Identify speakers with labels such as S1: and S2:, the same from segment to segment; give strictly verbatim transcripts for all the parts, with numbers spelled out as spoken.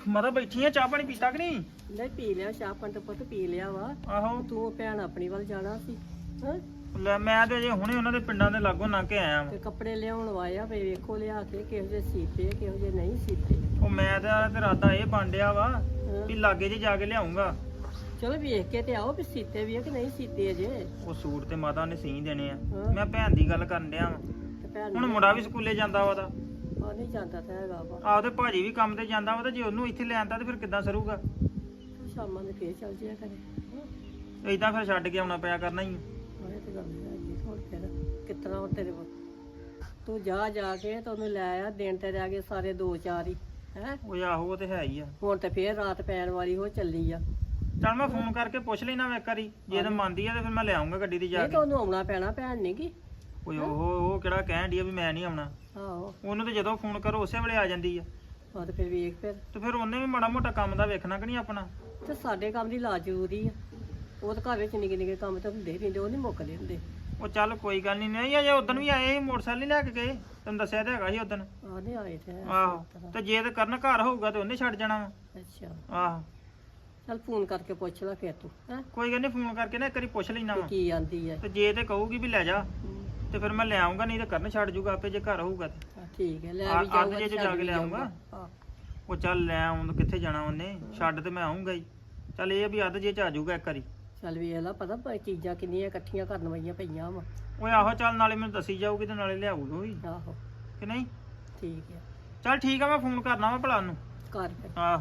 S1: ਮਾਤਾ ਬੈਠੀ ਆ ਚਾਹ ਪਾਣੀ ਪੀਤਾ ਕਿ ਨਹੀਂ?
S2: ਨਹੀਂ ਪੀ ਲਿਆ ਚਾਹ ਪਾਣੀ ਤਾਂ ਪੁੱਤ ਪੀ ਲਿਆ ਵਾ।
S1: ਆਹੋ
S2: ਤੂੰ ਭੈਣ ਆਪਣੀ ਵੱਲ ਜਾਣਾ ਸੀ ਹਾਂ
S1: ਲੈ ਮੈਂ ਤੇ ਅਜੇ ਹੁਣੇ ਉਹਨਾਂ ਦੇ ਪਿੰਡਾਂ ਦੇ ਲਾਗੋਂ ਲੰਘ ਕੇ ਆਇਆ
S2: ਤੇ
S1: ਵਾਂ।
S2: ਕੱਪੜੇ ਲਿਆਉਣ ਵਾਇਆ ਵੀ ਵੇਖੋ ਲਿਆ ਕੇ ਕਿਹੋ ਜਿਹੇ ਸੀਤੇ ਕਿਹੋ ਜਿਹੇ ਨਹੀਂ ਸੀਤੇ।
S1: ਉਹ ਮੈਂ ਤੇ ਤੇ ਇਰਾਦਾ ਇਹ ਬਾਂਡਿਆ ਵਾ
S2: ਹਾਂ।
S1: ਵੀ ਲਾਗੇ ਜੇ ਜਾ ਕੇ ਲਿਆਉਂਗਾ।
S2: ਚਲੋ ਵੇਖ ਕੇ ਤੇ ਆਓ ਵੀ ਸੀਤੇ ਵੀ ਆ ਕਿ ਨਹੀਂ ਸੀਤੇ ਅਜੇ।
S1: ਉਹ ਸੂਟ ਤੇ ਮਾਤਾ ਨੇ ਸੀ ਦੇਣੇ ਆ।
S2: ਹਾਂ।
S1: ਮੈਂ ਭੈਣ ਦੀ ਗੱਲ ਕਰਨ ਡਿਆ ਵਾਂ।
S2: ਤੇ ਭੈਣ
S1: ਹੁਣ ਮੁੰਡਾ ਵੀ ਸਕੂਲੇ ਜਾਂਦਾ ਵਾ ਦਾ।
S2: ਆ ਨਹੀਂ ਜਾਂਦਾ ਤਾਂ ਹੈਗਾ ਵਾ।
S1: ਆਹ ਤੇ ਭਾਜੀ ਵੀ ਕੰਮ ਤੇ ਜਾਂਦਾ ਵਾ ਤੇ ਜੇ ਉਹਨੂੰ ਇੱਥੇ ਲੈ ਆਂਦਾ ਤੇ ਫਿਰ ਕਿੱਦਾਂ ਸਰੂਗਾ?
S2: ਤੂੰ ਸ਼ਾਮਾਂ ਦੇ ਫੇਰ ਚੱਲ ਜਿਆ ਕਰੇ ਹਾਂ
S1: ਏਦਾਂ ਫਿਰ ਛੱਡ ਕੇ ਆਉਣਾ ਪਿਆ ਕਰਨਾ ਹੀ।
S2: ਇਹ ਤੇ ਗੱਲ ਹੈਗੀ ਹੁਣ ਫਿਰ ਕਿਤਨਾ ਉਹ ਤੇਰੇ ਕੋਲ ਤੂੰ ਜਾ ਜਾ ਕੇ ਤੇ ਉਹਨੂੰ ਲੈ ਆ ਦਿਨ ਤੇ ਰਹਿ ਗਏ ਸਾਰੇ ਦੋ ਚਾਰ ਹੀ ਹੈ।
S1: ਉਹ ਆਹੋ ਉਹ ਤੇ ਹੈ ਹੀ ਆ।
S2: ਹੁਣ ਤੇ ਫੇਰ ਰਾਤ ਪੈਣ ਵਾਲੀ ਹੋ ਚੱਲੀ ਆ।
S1: ਚੱਲ ਮੈਂ ਫੋਨ ਕਰਕੇ ਪੁੱਛ ਲੈਣਾ ਵਾ ਇੱਕ ਵਾਰੀ ਜੇ ਤੇ ਮੰਨਦੀ ਆ ਤੇ ਫਿਰ ਮੈਂ ਲੈ ਆਉਂਗਾ ਗੱਡੀ ਤੇ ਜਾ
S2: ਨਹੀਂ
S1: ਕੇ।
S2: ਤਾਂ ਉਹਨੂੰ ਆਉਣਾ ਪੈਣਾ ਭੈਣ ਨੀ ਗੀ।
S1: ਓਏ ਉਹ ਉਹ ਕਿਹੜਾ ਕਹਿਣ ਡਈ ਆ ਵੀ ਮੈਂ ਨਹੀਂ ਆਉਣਾ।
S2: ਆਹੋ
S1: ਉਹਨੂੰ ਤੇ ਜਦੋਂ ਫੋਨ ਕਰੋ ਉਸੇ ਵੇਲੇ ਆ ਜਾਂਦੀ ਆ।
S2: ਆ ਤੇ ਫਿਰ ਵੇਖ ਫਿਰ
S1: ਤੇ ਫਿਰ ਉਹਨੇ ਵੀ ਮਾੜਾ ਮੋਟਾ ਕੰਮ ਦਾ ਵੇਖਣਾ ਕਿ ਨਹੀਂ ਆਪਣਾ।
S2: ਤੇ ਸਾਡੇ ਕੰਮ ਦੀ ਲਾਜ ਜ਼ਰੂਰੀ ਆ। ਉਹ ਤਾਂ ਘਰ ਵਿੱਚ ਨਿੱਕੇ ਨਿੱਕੇ ਕੰਮ ਤਾਂ ਹੁੰਦੇ ਹੀ ਰਹਿੰਦੇ ਉਹ ਨਹੀਂ ਮੁੱਕਦੇ ਹੁੰਦੇ।
S1: ਉਹ ਚੱਲ ਕੋਈ ਗੱਲ ਨਹੀਂ ਨਹੀਂ ਅਜੇ ਉਦੋਂ ਵੀ ਆਏ ਸੀ ਮੋਟਰਸਾਈਕਲ ਨਹੀਂ ਲੈ ਕੇ ਗਏ ਤੈਨੂੰ ਦੱਸਿਆ ਤਾਂ ਹੈਗਾ ਸੀ ਉਦੋਂ।
S2: ਆ ਨਹੀਂ ਆਏ ਤੇ ਹੈ
S1: ਆਹੋ ਤੇ ਜੇ ਤੇ ਕਰਨ ਘਰ ਹੋਊਗਾ ਤੇ ਉਹਨੇ ਛੱਡ ਜਾਣਾ ਵਾ।
S2: ਅੱਛਾ
S1: ਆਹੋ
S2: ਚੱਲ ਫੋਨ ਕਰਕੇ ਪੁੱਛ ਲੈ ਫਿਰ ਤੂੰ ਹੈ
S1: ਕੋਈ ਗੱਲ ਨਹੀਂ ਫੋਨ ਕਰਕੇ ਨਾ ਇੱਕ ਵਾਰੀ ਪੁੱਛ ਲੈਣਾ ਵਾ।
S2: ਕੀ ਆਂਦੀ ਹੈ।
S1: ਤੇ ਜੇ ਤੇ ਕਹੂਗੀ ਵੀ ਲੈ ਜਾ
S2: ਹਮ,
S1: ਤੇ ਫਿਰ ਮੈਂ ਲੈ ਆਉਂਗਾ ਨਹੀਂ ਤੇ ਕਰਨ ਛੱਡ ਜੂਗਾ ਆਪੇ ਜੇ ਘਰ ਹੋਊਗਾ ਤੇ।
S2: ਹਾਂ, ਠੀਕ ਹੈ ਲੈ
S1: ਆ-
S2: ਵੀ
S1: ਅੱਜ
S2: ਜਾਊਗਾ
S1: ਜੇ
S2: ਤੇ
S1: ਜਾ
S2: ਛੱਡ
S1: ਕੇ
S2: ਵੀ
S1: ਲੈ ਆਊਂਗਾ।
S2: ਹਾਂ
S1: ਉਹ ਚੱਲ ਲੈ ਆਉਂ ਕਿੱਥੇ ਜਾਣਾ ਉਹਨੇ ਛੱਡ ਤੇ ਮੈਂ ਆਉਂਗਾ ਹੀ। ਚੱਲ ਇਹ ਆ ਵੀ ਅੱਧ ਜੇ ਚ ਆ ਜਾਊਗਾ ਇੱਕ ਵਾਰੀ।
S2: ਚੱਲ ਵੇਖ ਲਾ ਪਤਾ ਪ- ਚੀਜ਼ਾਂ ਕਿੰਨੀਆਂ ਇਕੱਠੀਆਂ ਕਰਨ ਵਾਲੀਆਂ ਪਈਆਂ ਵਾ।
S1: ਓਏ ਆਹੋ ਚੱਲ ਨਾਲੇ ਮੈਨੂੰ ਦੱਸੀ ਜਾਊਗੀ ਤੇ ਨਾਲੇ ਲਿਆਊਗਾ ਵੀ
S2: ਆਹੋ
S1: ਕਿ ਨਹੀਂ।
S2: ਠੀਕ ਹੈ
S1: ਚੱਲ ਠੀਕ ਆ ਮੈਂ ਫੋਨ ਕਰਨਾ ਵਾ ਭਲਾ ਨੂੰ।
S2: ਕਰ ਫਿਰ
S1: ਆਹ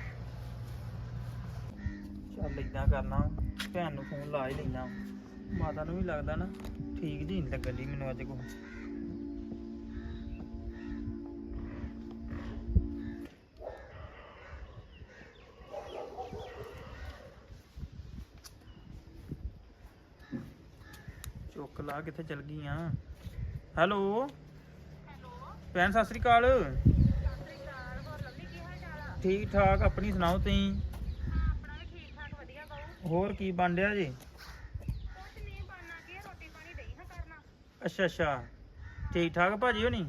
S1: ਚੱਲ ਏਦਾਂ ਕਰਨਾ ਭੈਣ ਨੂੰ ਫੋਨ ਲਾ ਹੀ ਲੈਣਾ। ਮਾਤਾ ਨੂੰ ਵੀ ਲੱਗਦਾ ਨਾ ਠੀਕ ਜੀ ਨਹੀਂ ਲੱਗਣ ਦੀ ਮੈਨੂੰ ਅੱਜ ਕੋ। ਚੁੱਕ ਲਾ ਕਿੱਥੇ ਚਲ ਗਈ ਆ। ਹੈਲੋ ਭੈਣ ਸਤਿ ਸ੍ਰੀ ਅਕਾਲ। ਠੀਕ ਠਾਕ ਆਪਣੀ ਸੁਣਾਓ ਤੁਸੀਂ? ਹੋਰ ਕੀ ਬਣ ਰਿਹਾ ਜੀ? ਅੱਛਾ ਅੱਛਾ ਠੀਕ ਠਾਕ ਭਾਜੀ ਹੋਣੀ?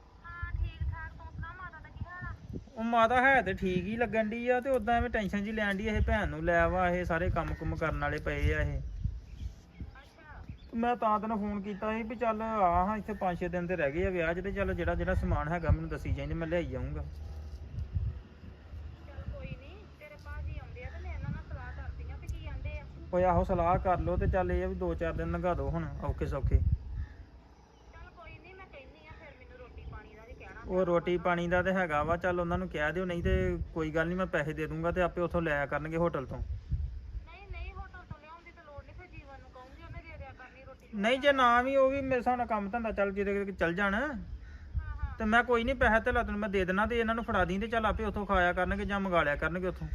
S1: ਉਹ ਮਾਤਾ ਹੈ ਤੇ ਠੀਕ ਹੀ ਲੱਗਣ ਦੀ ਆ ਤੇ ਉਦਾਂ ਐਵੇਂ ਟੈਨਸ਼ਨ ਜੀ ਲੈਣ ਦੀ ਇਹ ਭੈਣ ਨੂੰ ਲੈ ਵਾ ਇਹ ਸਾਰੇ ਕੰਮ ਕੁਮ ਕਰਨ ਵਾਲੇ ਪਏ ਆ ਇਹ। ਮੈਂ ਤਾਂ ਤੈਨੂੰ ਫੋਨ ਕੀਤਾ ਸੀ ਵੀ ਚੱਲ ਆ ਹਾਂ ਇੱਥੇ ਪੰਜ ਛੇ ਦਿਨ ਤੇ ਰਹਿ ਗਏ ਆ ਵਿਆਹ 'ਚ ਤੇ ਚੱਲ ਜਿਹੜਾ ਜਿਹੜਾ ਸਮਾਨ ਹੈਗਾ ਮੈਨੂੰ ਦੱਸੀ ਜਾਈਂ ਮੈਂ ਲਿਆਈ ਜਾਊਂਗਾ। ਓਏ ਆਹੋ ਸਲਾਹ ਕਰ ਲਓ ਤੇ ਚੱਲ ਇਹ ਆ ਵੀ ਦੋ ਚਾਰ ਦਿਨ ਲੰਘਾ ਦਿਓ ਹੁਣ ਔਖੇ ਸੌਖੇ। ਉਹ ਰੋਟੀ ਪਾਣੀ ਦਾ ਤੇ ਹੈਗਾ ਵਾ ਚੱਲ ਉਹਨਾਂ ਨੂੰ ਕਹਿ ਦਿਓ ਨਹੀਂ ਤੇ ਕੋਈ ਗੱਲ ਨਹੀਂ ਮੈਂ ਪੈਸੇ ਦੇ ਦੂੰਗਾ ਤੇ ਆਪੇ ਉੱਥੋਂ ਲਿਆ ਕਰਨਗੇ ਹੋਟਲ ਤੋਂ। ਨਹੀਂ ਜੇ ਨਾ ਵੀ ਉਹ ਵੀ ਮੇਰੇ ਹਿਸਾਬ ਨਾਲ ਕੰਮ ਧੰਦਾ ਚੱਲ ਜਿਹਦੇ ਚੱਲ ਜਾਣ ਤੇ ਮੈਂ ਕੋਈ ਨਹੀਂ ਪੈਸੇ ਤੇ ਤੈਨੂੰ ਮੈਂ ਦੇ ਦੇਣਾ ਤੇ ਇਹਨਾਂ ਨੂੰ ਫੜਾ ਦੀ ਤੇ ਚੱਲ ਆਪੇ ਉੱਥੋਂ ਖਾਇਆ ਕਰਨਗੇ ਜਾਂ ਮੰਗਾ ਲਿਆ ਕਰਨਗੇ ਉੱਥੋਂ।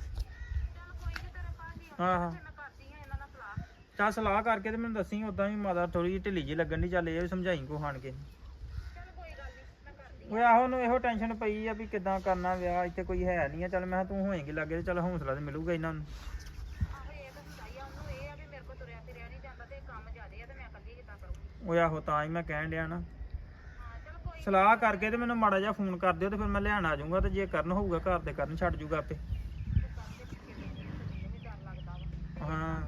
S1: ਹਾਂ ਹਾਂ ਚੱਲ ਸਲਾਹ ਕਰਕੇ ਤੇ ਮੈਨੂੰ ਦੱਸੀ। ਉਦਾਂ ਵੀ ਮਾਤਾ ਥੋੜੀ ਜਿਹੀ ਢਿੱਲੀ ਜਿਹੀ ਲੱਗਣ ਦੀ ਚੱਲ ਇਹ ਵੀ ਸਮਝਾਈ ਕੋ ਖਾਣ ਕੇ। ਓਏ ਆਹੋ ਨੂੰ ਇਹੋ ਟੈਨਸ਼ਨ ਪਈ ਆ ਵੀ ਕਿੱਦਾਂ ਕਰਨਾ ਵਿਆਹ ਇੱਥੇ ਕੋਈ ਹੈ ਨਹੀਂ ਆ। ਚੱਲ ਮੈਂ ਤੂੰ ਹੋਏਗੀ ਲੱਗੇ ਤੇ ਚੱਲ ਹੌਸਲਾ ਤੇ ਮਿਲੂਗਾ ਇਹਨਾਂ ਨੂੰ। ਓਏ ਆਹੋ ਤਾਂ ਹੀ ਮੈਂ ਕਹਿਣ ਡਿਆ ਨਾ ਸਲਾਹ ਕਰਕੇ ਤੇ ਮੈਨੂੰ ਮਾੜਾ ਜਿਹਾ ਫੋਨ ਕਰ ਦਿਓ ਤੇ ਫਿਰ ਮੈਂ ਲੈਣ ਆ ਜਾਊਂਗਾ ਤੇ ਜੇ ਕਰਨ ਹੋਊਗਾ ਘਰ ਤੇ ਕਰਨ ਛੱਡ ਜੂਗਾ ਆਪੇ। ਹਾਂ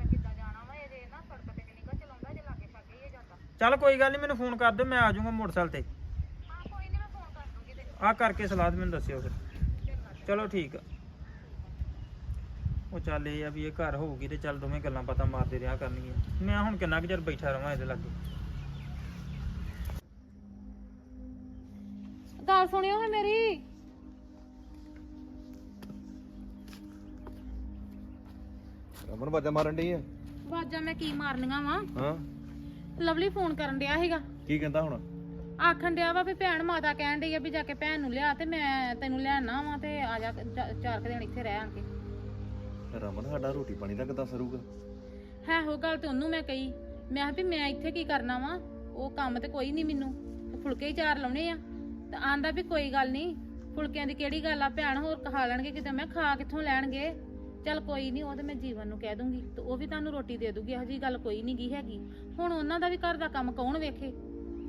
S1: ਚੱਲ ਕੋਈ ਗੱਲ ਨਹੀਂ ਮੈਨੂੰ ਫੋਨ ਕਰ ਦਿਓ ਮੈਂ ਆ ਜਾਊਂਗਾ ਮੋਟਰਸਾਈਕਲ ਤੇ। ਆ ਕਰਕੇ ਸਲਾਹ ਤੇ ਮੈਨੂੰ ਦੱਸਿਓ ਫਿਰ। ਚਲੋ ਠੀਕ ਆ। ਉਹ ਚੱਲ ਇਹ ਆ ਵੀ ਇਹ ਘਰ ਹੋਊਗੀ ਤੇ ਚੱਲ ਦੋਵੇਂ ਗੱਲਾਂ ਪਤਾ ਮਾਰਦੇ ਰਿਹਾ ਕਰਨਗੀਆਂ। ਮੈਂ ਹੁਣ ਕਿੰਨਾ ਕੁ ਚਿਰ ਬੈਠਾ ਰਵਾਂ ਇਹਦੇ ਲਾਗੇ।
S3: ਗੱਲ ਸੁਣਿਓ ਹੈ ਮੇਰੀ।
S4: ਰਮਨ ਬਾਜਾ ਮਾਰਨ ਡਈ ਆ।
S3: ਆਵਾਜ਼ਾਂ ਮੈਂ ਕੀ ਮਾਰਨੀਆਂ ਵਾ।
S4: ਹਾਂ
S3: ਲਵਲੀ ਫੋਨ ਕਰਨ ਡਿਆ ਸੀਗਾ।
S4: ਕੀ ਕਹਿੰਦਾ ਹੁਣ?
S3: ਆਖਣ ਡਿਆ ਵਾ ਵੀ ਭੈਣ ਮਾਤਾ ਕਹਿਣ ਡਈ ਆ ਵੀ ਜਾ ਕੇ ਭੈਣ ਨੂੰ ਲਿਆ ਤੇ ਮੈਂ ਤੈਨੂੰ ਲੈਣਾ ਵਾ ਤੇ ਆ ਜਾ ਚ- ਚਾਰ ਕੁ ਦਿਨ ਇੱਥੇ ਰਹਿ ਆਂਗੇ।
S4: ਰਮਨ ਸਾਡਾ ਰੋਟੀ ਪਾਣੀ ਦਾ ਕਿੱਦਾਂ ਸਰੂਗਾ?
S3: ਹੈ ਉਹ ਗੱਲ ਤੇ ਉਹਨੂੰ ਮੈਂ ਕਹੀ ਮੈਂ ਕਿਹਾ ਵੀ ਮੈਂ ਇੱਥੇ ਕੀ ਕਰਨਾ ਵਾ ਉਹ ਕੰਮ ਤੇ ਕੋਈ ਨਹੀਂ ਮੈਨੂੰ ਤੇ ਫੁਲਕੇ ਹੀ ਚਾਰ ਲਾਉਣੇ ਆ ਤੇ ਆਂਦਾ ਵੀ ਕੋਈ ਗੱਲ ਨਹੀਂ ਫੁਲਕਿਆਂ ਦੀ ਕਿਹੜੀ ਗੱਲ ਆ ਭੈਣ ਹੋਰ ਖਾ ਲੈਣਗੇ ਕਿਤੇ। ਮੈਂ ਖਾ ਕਿੱਥੋਂ ਲੈਣਗੇ। ਚੱਲ ਕੋਈ ਨਹੀਂ ਉਹ ਤੇ ਮੈਂ ਜੀਵਨ ਨੂੰ ਕਹਿ ਦੂੰਗੀ ਤੇ ਉਹ ਵੀ ਤੁਹਾਨੂੰ ਰੋਟੀ ਦੇ ਦੂਗੀ। ਇਹੋ ਜਿਹੀ ਗੱਲ ਕੋਈ ਨਹੀਂ ਗੀ ਹੈਗੀ। ਹੁਣ ਉਹਨਾਂ ਦਾ ਵੀ ਘਰ ਦਾ ਕੰਮ ਕੌਣ ਵੇਖੇ।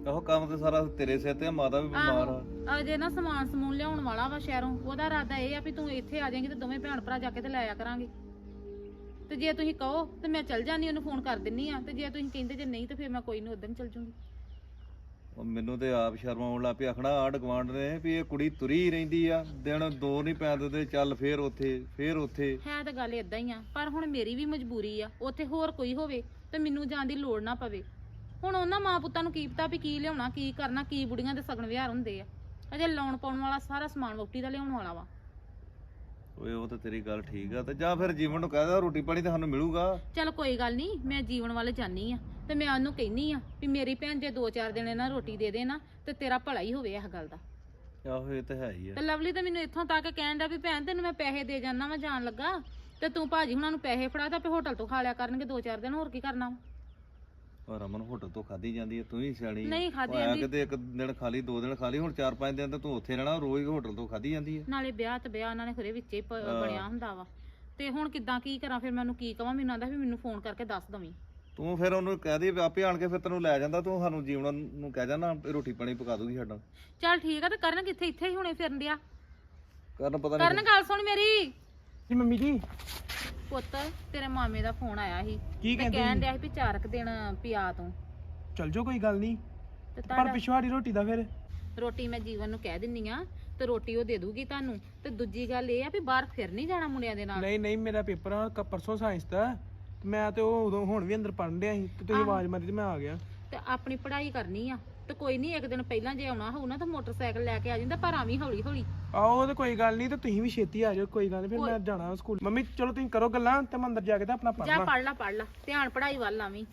S4: ਆਹੋ ਕੰਮ ਤੇ ਸਾਰਾ ਤੇਰੇ ਸਿਰ ਤੇ ਆ, ਮਾਤਾ ਵੀ ਬਿਮਾਰ ਆ।
S3: ਆਹੋ ਅਜੇ ਨਾ ਸਮਾਨ ਸਮੂਨ ਲਿਆਉਣ ਵਾਲਾ ਵਾ ਸ਼ਹਿਰੋਂ, ਉਹਦਾ ਇਰਾਦਾ ਇਹ ਆ ਵੀ ਤੂੰ ਇੱਥੇ ਆ ਜਾਏਂਗੀ ਤੇ ਦੋਵੇਂ ਭੈਣ ਭਰਾ ਜਾ ਕੇ ਤੇ ਲੈ ਆਇਆ ਕਰਾਂਗੇ। ਤੇ ਜੇ ਤੁਸੀਂ ਕਹੋ ਤੇ ਮੈਂ ਚੱਲ ਜਾਨੀ, ਉਹਨੂੰ ਫੋਨ ਕਰ ਦਿੰਨੀ ਆ, ਤੇ ਜੇ ਤੁਸੀਂ ਕਹਿੰਦੇ ਜੇ ਨਹੀਂ ਤੇ ਫਿਰ ਮੈਂ ਕੋਈ ਨਹੀਂ ਉਦੋਂ ਚੱਲ ਜੂੰਗੀ।
S4: ਉਹ ਮੈਨੂੰ ਤੇ ਆਪ ਸ਼ਰਮ ਆਉਣ ਲੱਗ ਪਈ, ਆਖਣਾ ਆਂਢ ਗੁਆਂਢ ਨੇ ਵੀ ਇਹ ਕੁੜੀ ਤੁਰੀ ਰਹਿੰਦੀ ਆ, ਦਿਨ ਦੋ ਨਹੀਂ ਪੈਂਦੇ ਤੇ ਚੱਲ ਫੇਰ ਉੱਥੇ ਫੇਰ ਉੱਥੇ।
S3: ਹੈ ਤਾਂ ਗੱਲ ਇਦਾਂ ਹੀ ਆ, ਪਰ ਹੁਣ ਮੇਰੀ ਵੀ ਮਜਬੂਰੀ ਆ, ਉੱਥੇ ਹੋਰ ਕੋਈ ਹੋਵੇ ਤੇ ਮੈਨੂੰ ਜਾਣ ਦੀ ਲੋੜ ਨਾ ਪਵੇ। ਹੁਣ ਉਹਨਾਂ ਮਾਂ ਪੁੱਤਾਂ ਨੂੰ ਕੀ ਪਤਾ ਵੀ ਕੀ ਲਿਆਉਣਾ ਕੀ ਕਰਨਾ, ਕੀ ਬੁੜੀਆਂ ਦੇ ਸਗਨ ਵਿਹਾਰ ਹੁੰਦੇ ਆ। ਅਜੇ ਲਾਉਣ ਪਾਉਣ ਵਾਲਾ ਸਾਰਾ ਸਮਾਨ ਵਹੁਟੀ ਦਾ ਲਿਆਉਣ ਵਾਲਾ ਵਾ।
S4: ਓਏ ਉਹ ਤਾਂ ਤੇਰੀ ਗੱਲ ਠੀਕ ਆ, ਤੇ ਜਾਂ ਫਿਰ ਜੀਵਨ ਨੂੰ ਕਹਿ ਦੇ ਰੋਟੀ ਪਾਣੀ ਤਾਂ ਸਾਨੂੰ ਮਿਲੂਗਾ।
S3: ਚਲ ਕੋਈ ਗੱਲ ਨਹੀਂ, ਮੈਂ ਜੀਵਨ ਵੱਲ ਜਾਨੀ ਆ ਤੇ ਮੈਂ ਉਹਨੂੰ ਕਹਿਨੀ ਆ ਵੀ ਮੇਰੀ ਭੈਣ ਜੇ ਦੋ ਚਾਰ ਦਿਨ ਇਹਨਾਂ ਰੋਟੀ ਦੇ ਦੇ ਨਾ ਤੇ ਤੇਰਾ ਭਲਾ ਹੀ ਹੋਵੇ ਇਸ ਗੱਲ ਦਾ।
S4: ਆਹੋ ਇਹ ਤਾਂ ਹੈ ਹੀ ਆ।
S3: ਤੇ ਲਵਲੀ ਤਾਂ ਮੈਨੂੰ ਇੱਥੋਂ ਤੱਕ ਕਹਿਣ ਡਿਆ ਵੀ ਭੈਣ ਤੈਨੂੰ ਮੈਂ ਪੈਸੇ ਦੇ ਜਾਨਾ ਵਾ ਜਾਣ ਲੱਗਾ, ਤੇ ਤੂੰ ਭਾਜੀ ਹੁਣਾਂ ਨੂੰ ਪੈਸੇ ਫੜਾ ਤਾਂ ਆਪੇ ਹੋਟਲ ਤੋਂ ਖਾ ਲਿਆ ਕਰਨਗੇ ਦੋ ਚਾਰ ਦਿਨ, ਹੋਰ ਕੀ ਕਰਨਾ ਵਾ।
S4: ਔਰ ਰਮਨ ਹੋਟਲ ਤੋਂ ਖਾਦੀ ਜਾਂਦੀ ਹੈ, ਤੂੰ ਹੀ ਸਿਆਣੀ
S3: ਨਹੀਂ ਖਾਧੀ
S4: ਜਾਂਦੀ।
S3: ਜਾਂਦੀ।
S4: ਕਿਤੇ ਇੱਕ ਦਿਨ ਖਾਲੀ, ਦੋ ਦਿਨ ਖਾਲੀ, ਹੁਣ ਚਾਰ ਪੰਜ ਦਿਨ ਤਾਂ ਤੂੰ ਉੱਥੇ ਰਹਿਣਾ, ਰੋਜ਼ ਹੋਟਲ ਤੋਂ ਖਾਦੀ ਜਾਂਦੀ ਹੈ।
S3: ਨਾਲੇ ਵਿਆਹ ਤੇ ਵਿਆਹ ਉਹਨਾਂ ਨੇ ਖਰੇ ਵਿੱਚੇ ਹੀ ਪ- ਬਣਿਆ ਹੁੰਦਾ ਵਾ। ਤੇ ਹੁਣ ਕਿੱਦਾਂ ਕੀ ਕਰਾਂ ਫਿਰ, ਮੈਨੂੰ ਕੀ ਕਵਾਂ, ਮੈਨੂੰ ਆਂਦਾ ਵੀ ਮੈਨੂੰ ਫੋਨ ਕਰਕੇ ਦੱਸ ਦਵੀਂ।
S4: ਤੂੰ ਫਿਰ ਉਹਨੂੰ ਕਹਿ ਦੇ ਵੀ ਆਪੇ ਆਣ ਕੇ ਫਿਰ ਤੈਨੂੰ ਲੈ ਜਾਂਦਾ, ਤੂੰ ਸਾਨੂੰ ਜੀਵਨ ਨੂੰ ਕਹਿ ਜਾਣਾ ਰੋਟੀ ਪਾਣੀ ਪਕਾ ਦੂਗੀ ਸਾਡਾ।
S3: ਚੱਲ ਠੀਕ ਆ, ਤੇ ਕਰਨ ਕਿੱਥੇ, ਇੱਥੇ ਹੀ ਹੁਣੇ ਫਿਰਨ ਡਿਆ।
S4: ਕਰਨ ਪਤਾ
S3: ਕਰਨ
S4: ਨਹੀਂ
S3: ਗੱਲ ਸੁਣ ਮੇਰੀ।
S1: ਜੀ ਮੰਮੀ ਜੀ
S3: ਪੁੱਤ ਤੇਰੇ ਮਾਮੇ ਦਾ ਫੋਨ ਆਇਆ ਸੀ,
S1: ਕੀ
S3: ਤੇ
S1: ਕਹਿੰਦੇ
S3: ਕਹਿਣ
S1: ਸੀ?
S3: ਡਿਆ ਸੀ ਵੀ ਚਾਰ ਕੁ ਦਿਨ ਪਿਆ ਤੂੰ।
S1: ਚੱਲ ਜਾਓ ਕੋਈ ਗੱਲ ਨਹੀਂ,
S3: ਤੇ
S1: ਪਰ
S3: ਤੁਹਾਡਾ
S1: ਪਿਛਵਾੜੀ ਰੋਟੀ ਦਾ ਫਿਰ
S3: ਰੋਟੀ ਮੈਂ ਜੀਵਨ ਨੂੰ ਕਹਿ ਦਿੰਨੀ ਆ, ਤੇ ਰੋਟੀ ਉਹ ਦੇ ਦੂਗੀ ਤੁਹਾਨੂੰ। ਤੇ ਦੂਜੀ ਗੱਲ ਇਹ ਆ ਵੀ ਬਾਹਰ ਫਿਰ ਨਹੀਂ ਜਾਣਾ ਮੁੰਡਿਆਂ ਦੇ ਨਾਲ।
S1: ਨਹੀਂ ਨਹੀਂ ਮੇਰਾ ਪੇਪਰ ਆ ਕ- ਪਰਸੋਂ ਸਾਇੰਸ ਦਾ, ਤੇ ਮੈਂ ਤੇ ਉਹ ਉਦੋਂ ਹੁਣ ਵੀ ਅੰਦਰ ਪੜ੍ਹਨ ਡਿਆ ਸੀ, ਤੇ ਤੁਸੀਂ
S3: ਆਹੋ।
S1: ਆਵਾਜ਼ ਮਾਰੀ ਤੇ ਮੈਂ ਆ ਗਿਆ।
S3: ਤੇ ਆਪਣੀ ਪੜ੍ਹਾਈ ਕਰਨੀ ਆ, ਤੇ ਕੋਈ ਨਹੀਂ ਇੱਕ ਦਿਨ ਪਹਿਲਾਂ ਜੇ ਆਉਣਾ ਹੋਊ ਨਾ ਤਾਂ ਮੋਟਰਸਾਈਕਲ ਲੈ ਕੇ ਆ ਜਾਂਦਾ, ਪਰ ਆਵੀਂ ਹੌਲੀ ਹੌਲੀ।
S1: ਆਹੋ ਉਹ ਤੇ ਕੋਈ ਗੱਲ ਨਹੀਂ, ਤੇ ਤੁਸੀਂ ਵੀ ਛੇਤੀ ਆ ਜਾਓ, ਕੋਈ ਗੱਲ ਨਹੀਂ, ਫਿਰ
S3: ਕੋਈ-
S1: ਮੈਂ ਜਾਣਾ ਸਕੂਲ। ਮੰਮੀ ਚਲੋ ਤੁਸੀਂ ਕਰੋ ਗੱਲਾਂ, ਤੇ ਮੈਂ ਅੰਦਰ ਜਾ ਕੇ ਤਾਂ ਆਪਣਾ
S3: ਜਾ
S1: ਪੜ੍ਹਨਾ।
S3: ਪੜ ਲਾ ਪੜ ਲਾ, ਧਿਆਨ ਪੜ੍ਹਾਈ ਵੱਲ ਆਵੀਂ।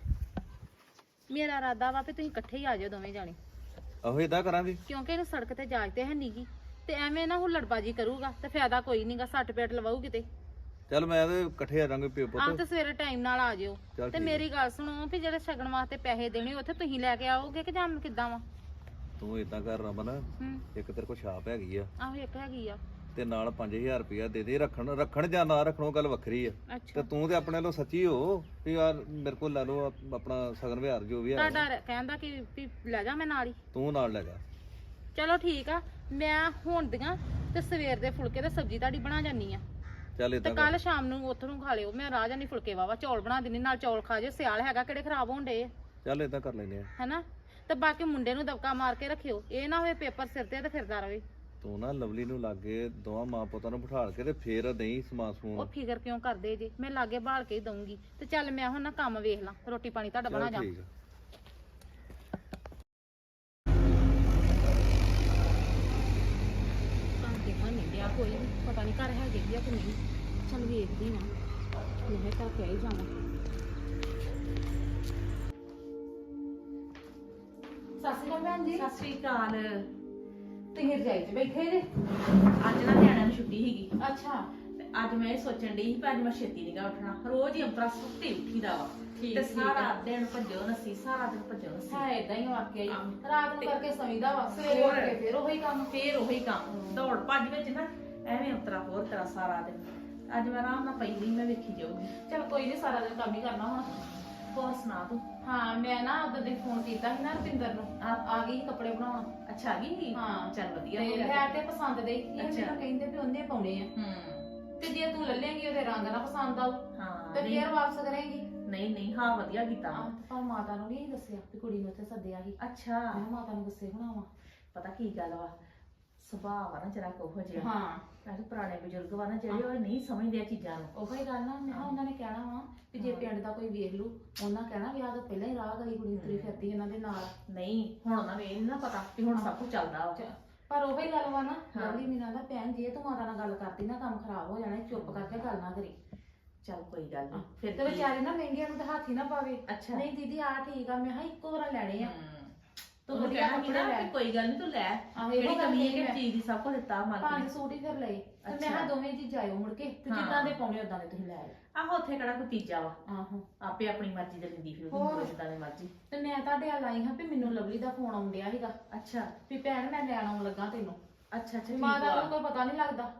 S3: ਮੇਰਾ ਇਰਾਦਾ ਵਾ ਵੀ ਤੁਸੀਂ ਇਕੱਠੇ ਹੀ ਆ ਜਾਓ ਦੋਵੇਂ ਜਾਣੇ,
S4: ਆਹੋ ਏਦਾਂ ਕਰਾਂਗੇ।
S3: ਕਿਉਂਕਿ ਇਹਨੂੰ ਸੜਕ ਤੇ ਜਾਜ ਤੇ ਹੈ ਨੀਗੀ, ਤੇ ਐਵੇਂ ਨਾ ਹੁੱਲੜਬਾਜੀ ਕਰੂਗਾ ਤੇ ਫਾਇਦਾ ਕੋਈ ਨਹੀਂਗਾ, ਸੱਟ ਪੇਟ ਲਵਾਊ ਕਿਤੇ।
S4: ਚੱਲ ਮੈਂ ਤੇ ਇਕੱਠੇ ਆ ਜਾਾਂਗੇ ਪਿਓ
S3: ਆਹ
S4: ਪੁੱਤ।
S3: ਤੇ ਸਵੇਰੇ ਟਾਈਮ ਨਾਲ ਆ ਜਿਓ।
S4: ਚੱਲ
S3: ਤੇ
S4: ਠੀਕ
S3: ਮੇਰੀ ਗੱਲ ਸੁਣੋ ਵੀ ਜਿਹੜੇ ਸ਼ਗਨ ਵਾਸਤੇ ਪੈਸੇ ਦੇਣੇ ਉੱਥੇ ਤੁਸੀਂ ਲੈ ਕੇ ਆਓਗੇ ਕਿ ਜਾਂ ਕਿੱਦਾਂ ਵਾ?
S4: ਤੂੰ ਏਦਾਂ ਕਰ ਰਮਨ,
S3: ਹੂੰ
S4: ਇੱਕ ਤੇਰੇ ਕੋਲ ਛਾਪ ਹੈਗੀ ਆ,
S3: ਆਹੋ ਇੱਕ ਹੈਗੀ ਆ।
S4: ਤੇ ਨਾਲ ਪੰਜ ਹਜ਼ਾਰ ਰੁਪਇਆ ਦੇ ਦੇ, ਰੱਖਣ ਰੱਖਣ ਜਾਂ ਨਾ ਰੱਖਣੋਂ ਗੱਲ ਵੱਖਰੀ ਆ। ਤੇ
S3: ਅੱਛਾ
S4: ਤੂੰ ਤੇ ਆਪਣੇ ਵੱਲੋਂ ਸੱਚੀ ਹੋ ਵੀ ਯਾਰ ਮੇਰੇ ਕੋਲ ਲੈ ਲਓ ਆਪ- ਆਪਣਾ ਸਗਨ ਵਿਹਾਰ ਜੋ ਵੀ ਹੈ,
S3: ਤੁਹਾਡਾ ਕਹਿੰਦਾ ਕਿ ਵੀ ਲੈ ਜਾ ਮੈਂ ਨਾਲ ਹੀ।
S4: ਤੂੰ ਨਾਲ ਲੈ ਜਾ।
S3: ਚਲੋ ਠੀਕ ਆ, ਮੈਂ ਹੁਣ ਦੀਆਂ ਤੇ ਸਵੇਰ ਦੇ ਫੁਲਕੇ ਤੇ ਸਬਜ਼ੀ ਤੁਹਾਡੀ ਬਣਾ ਜਾਨੀ ਆ,
S4: ਚੱਲ
S3: ਤੇ
S4: ਏਦਾਂ ਕਰ।
S3: ਕੱਲ ਸ਼ਾਮ ਨੂੰ ਉੱਥੋਂ ਨੂੰ ਖਾ ਲਿਓ। ਮੈਂ ਰਾਹ ਜਾਨੀ ਫੁਲਕੇ ਵਾਵਾ ਚੌਲ ਬਣਾ ਦਿੰਨੀ, ਨਾਲ ਚੌਲ ਖਾ ਜਿਓ, ਸਿਆਲ ਹੈਗਾ ਕਿਹੜੇ ਖਰਾਬ ਹੋਣ ਡੇ
S4: ਚੱਲ ਏਦਾਂ ਕਰ ਲੈਨੇ ਆ।
S3: ਹੈਨਾ। ਤੇ ਬਾਕੀ ਮੁੰਡੇ ਨੂੰ ਦਬਕਾ ਮਾਰ ਕੇ ਰੱਖਿਓ, ਇਹ ਨਾ ਹੋਵੇ ਪੇਪਰ ਸਿਰ ਤੇ ਤੇ ਫਿਰਦਾ ਰਵੇ।
S4: ਤੂੰ ਨਾ ਲਵਲੀ ਨੂੰ ਲਾਗੇ ਦੋਵਾਂ ਮਾਂ ਪੁੱਤਾਂ ਨੂੰ ਬਿਠਾਲ ਕੇ ਤੇ ਫੇਰ ਨਹੀਂ ਸਮਾਨ
S3: ਉਹ
S4: ਸਮੂਨ।
S3: ਫਿਕਰ ਕਿਉਂ ਕਰਦੇ ਜੇ, ਮੈਂ ਲਾਗੇ ਬਾਲ ਕੇ ਹੀ ਦਊਂਗੀ। ਤੇ ਚੱਲ ਮੈਂ ਹੁਣ ਨਾ ਕੰਮ ਵੇਖ ਲਾਂ, ਰੋਟੀ ਪਾਣੀ ਤੁਹਾਡਾ ਬਣਾ
S4: ਚੱਲ
S3: ਜਾ।
S4: ਠੀਕ ਆ।
S3: ਘਰ ਦੇ ਹਾਂ ਨਹੀਂ ਗਿਆ ਕੋਈ ਵੀ, ਪਤਾ ਨਹੀਂ ਘਰ ਹੈਗੇ ਵੀ ਆ ਕਿ ਨਹੀਂ। ਚੱਲ ਵੇਖਦੀ ਨਾ, ਮੈਂ ਤਾਂ ਕਹਿ ਹੀ ਜਾਵਾਂ। ਸਤਿ ਸ਼੍ਰੀ ਅਕਾਲ ਭੈਣ ਜੀ।
S5: ਸਤਿ ਸ੍ਰੀ ਅਕਾਲ।
S3: ਤੁਸੀਂ ਰਜਾਈ 'ਚ ਬੈਠੇ ਜੇ?
S5: ਅੱਜ ਨਾ ਨਿਆਣਿਆਂ ਨੂੰ ਛੁੱਟੀ ਸੀਗੀ,
S3: ਅੱਛਾ
S5: ਤੇ ਅੱਜ ਮੈਂ ਇਹ ਸੋਚਣ ਡਈ ਸੀ ਕਿ ਅੱਜ ਮੈਂ ਛੇਤੀ ਨੀਗਾ ਉੱਠਣਾ। ਰੋਜ਼ ਹੀ ਅੰਤਰਾ ਸੁੱਤੇ ਉੱਠੀਦਾ ਵਾ,
S3: ਠੀਕ-
S5: ਤੇ
S3: ਠੀਕ
S5: ਸਾਰਾ
S3: ਆ।
S5: ਦਿਨ ਭੱਜੋ ਨੱਸੀ, ਸਾਰਾ ਦਿਨ ਭੱਜੋ ਨੱਸੀ।
S3: ਹੈ ਇਦਾਂ ਹੀ ਵਾਕਿਆ ਹੀ,
S5: ਆਹ।
S3: ਰਾਤ ਨੂੰ
S5: ਤੇ-
S3: ਕਰਕੇ ਸੌਂਦਾ ਵਾ, ਸਵੇਰੇ ਉੱਠ ਕੇ ਫਿਰ ਉਹੀ ਕੰਮ।
S5: ਫੇਰ ਉਹੀ ਕੰਮ, ਦੌੜ ਭੱਜ ਵਿੱਚ ਨਾ ਐਵੇਂ ਅੰਤਰਾ ਹੋਰ ਤਰ੍ਹਾਂ ਸਾਰਾ ਦਿਨ। ਅੱਜ ਮੈਂ ਆਰਾਮ ਨਾਲ ਪਈ ਰਹੀ, ਮੈਂ ਵੇਖੀ ਜਾਊਗੀ।
S3: ਚਲ ਕੋਈ ਨਹੀਂ, ਸਾਰਾ ਦਿਨ ਕੰਮ ਹੀ ਕਰਨਾ ਹੁਣ।
S5: ਹੋਰ ਸੁਣਾ ਤੂੰ?
S3: ਹਾਂ ਮੈਂ ਨਾ ਉਦੋਂ ਦੇ ਫੋਨ ਕੀਤਾ ਸੀ ਨਾ ਰੁਪਿੰਦਰ ਨੂੰ, ਆ ਆ ਗਈ ਸੀ ਕੱਪੜੇ ਬਣਾਉਣ।
S5: ਅੱਛਾ ਆ ਗਈ?
S3: ਹਾਂ।
S5: ਚੱਲ ਵਧੀਆ
S3: ਤੇ
S5: ਹੋ ਗਿਆ।
S3: ਲੈ ਤੇ ਪਸੰਦ ਦੇ, ਇਹ
S5: ਅੱਛਾ।
S3: ਮੈਨੂੰ ਕਹਿੰਦੇ ਵੀ ਉਹਨੇ ਪਾਉਣੇ ਆ,
S5: ਹੂੰ
S3: ਤੇ ਜੇ ਤੂੰ ਲੈ ਲੇਂਗੀ ਉਹਦੇ ਰੰਗ ਨਾ ਪਸੰਦ ਆਉ
S5: ਹਾਂ।
S3: ਤੇ
S5: ਨਹੀਂ
S3: ਫੇਰ ਵਾਪਸ ਕਰੇਂਗੀ।
S5: ਨਹੀਂ ਨਹੀਂ, ਹਾਂ ਵਧੀਆ ਕੀਤਾ।
S3: ਆਹ, ਪਰ ਮਾਤਾ ਨੂੰ ਨਹੀਂ ਦੱਸਿਆ ਵੀ ਕੁੜੀ ਨੂੰ ਉੱਥੇ ਸੱਦਿਆ ਸੀ।
S5: ਅੱਛਾ,
S3: ਮੈਂ ਕਿਹਾ ਮਾਤਾ ਨੂੰ ਗੁੱਸੇ ਹੋਣਾ
S5: ਪਤਾ ਕੀ ਗੱਲ ਵਾ, ਸੁਭਾਅ ਵਾ ਨਾ ਜਰਾ ਕੋਹ ਜਿਹਾ।
S3: ਵਾ। ਹਾਂ
S5: ਅੱਜ ਪੁਰਾਣੇ ਬਜ਼ੁਰਗ ਵਾ ਨਾ ਜਿਹੜੇ, ਉਹ ਨਹੀਂ ਸਮਝਦੇ ਆ ਚੀਜ਼ਾਂ ਨੂੰ।
S3: ਉਹੀ ਗੱਲ ਨਾ, ਮੈਂ ਕਿਹਾ ਉਹਨਾਂ ਨੇ ਕਹਿਣਾ ਵਾ ਵੀ ਜੇ ਪਿੰਡ ਦਾ ਕੋਈ ਵੇਖ ਲੂ, ਉਹਨਾਂ ਕਹਿਣਾ ਵਿਆਹ ਤੋਂ ਪਹਿਲਾਂ ਹੀ ਰਾਹ ਗਲੀ ਕੁੜੀ ਤੁਰੀ ਫਿਰਦੀ ਇਹਨਾਂ ਦੇ ਨਾਲ।
S5: ਨਹੀਂ ਹੁਣ ਉਹਨਾਂ ਨੂੰ ਇਹ ਨੀ ਨਾ ਪਤਾ ਵੀ ਹੁਣ ਸਭ ਕੁਝ ਚੱਲਦਾ ਵਾ।
S3: ਪਰ ਉਹੀ ਗੱਲ ਵਾ ਨਾ,
S5: ਹਾਂ।
S3: ਲਵਲੀ ਮੀਨਾ ਦਾ ਭੈਣ ਜੇ ਤੂੰ ਮਾਤਾ ਨਾਲ ਗੱਲ ਕਰਦੀ ਨਾ ਕੰਮ ਖਰਾਬ ਹੋ ਜਾਣਾ, ਚੁੱਪ ਕਰਕੇ ਗੱਲ ਨਾ ਕਰੀ।
S5: ਚੱਲ ਕੋਈ ਗੱਲ ਨਹੀਂ।
S3: ਤੇ
S5: ਫਿਰ ਕੀ?
S3: ਵਿਚਾਰੇ ਨਾ ਮਹਿੰਗੀਆਂ ਨੂੰ ਤਾਂ ਹੱਥ ਹੀ ਨਾ ਪਾਵੇ।
S5: ਅੱਛਾ।
S3: ਨਹੀਂ ਦੀਦੀ ਆ ਠੀਕ ਆ, ਮੈਂ ਕਿਹਾ ਇੱਕੋ ਵਾਰ ਲੈਣੇ ਆ।
S5: ਹਮ।
S3: ਤੂੰ
S5: ਉਹਨੂੰ
S3: ਵਧੀਆ
S5: ਕਹਿਣਾ ਸੀ
S3: ਕੱਪੜੇ
S5: ਨਾ
S3: ਲੈ।
S5: ਕਿ ਕੋਈ ਗੱਲ ਨਹੀਂ ਤੂੰ ਲੈ,
S3: ਆਹੋ,
S5: ਜਿਹੜੀ
S3: ਇਹੋ ਗੱਲ
S5: ਕਮੀ ਹੈ
S3: ਕਹੀ
S5: ਕਿ
S3: ਮੈਂ।
S5: ਚੀਜ਼ ਦੀ ਸਭ ਕੁਝ ਦਿੱਤਾ ਮਾਲਕ
S3: ਪੰਜ
S5: ਨੇ।
S3: ਸੂਟ ਹੀ ਫਿਰ ਲਏ, ਤੇ ਮੈਂ
S5: ਅੱਛਾ।
S3: ਕਿਹਾ ਦੋਵੇਂ ਜੀ ਜਾਇਓ ਮੁੜ ਕੇ, ਤੇ
S5: ਹਾਂ।
S3: ਜਿੱਦਾਂ ਦੇ ਪਾਉਣੇ ਉਦਾਂ ਦੇ ਤੁਸੀਂ ਲੈ ਆਇਓ।
S5: ਆਹੋ ਉੱਥੇ ਕਿਹੜਾ ਕੋਈ ਤੀਜਾ ਵਾ,
S3: ਆਹੋ।
S5: ਆਪੇ ਆਪਣੀ ਮਰਜ਼ੀ ਦੇ ਲੈਂਦੀ ਫਿਰ
S3: ਹੋਰ।
S5: ਉਹ ਜਿੱਦਾਂ ਦੀ ਮਰਜ਼ੀ।
S3: ਤੇ ਮੈਂ ਤੁਹਾਡੇ ਵੱਲ ਆਈ ਹਾਂ ਵੀ ਮੈਨੂੰ ਲਵਲੀ ਦਾ ਫੋਨ ਆਉਣ ਡਿਆ ਸੀਗਾ
S5: ਅੱਛਾ
S3: ਵੀ ਭੈਣ ਮੈਂ ਲੈਣ ਆਉਣ ਲੱਗਾ ਤੈਨੂੰ।
S5: ਅੱਛਾ ਅੱਛਾ, ਠੀਕ
S3: ਮਾਤਾ ਨੂੰ
S5: ਵਾ।
S3: ਕੋਈ ਪਤਾ ਨਹੀਂ ਲੱਗਦਾ।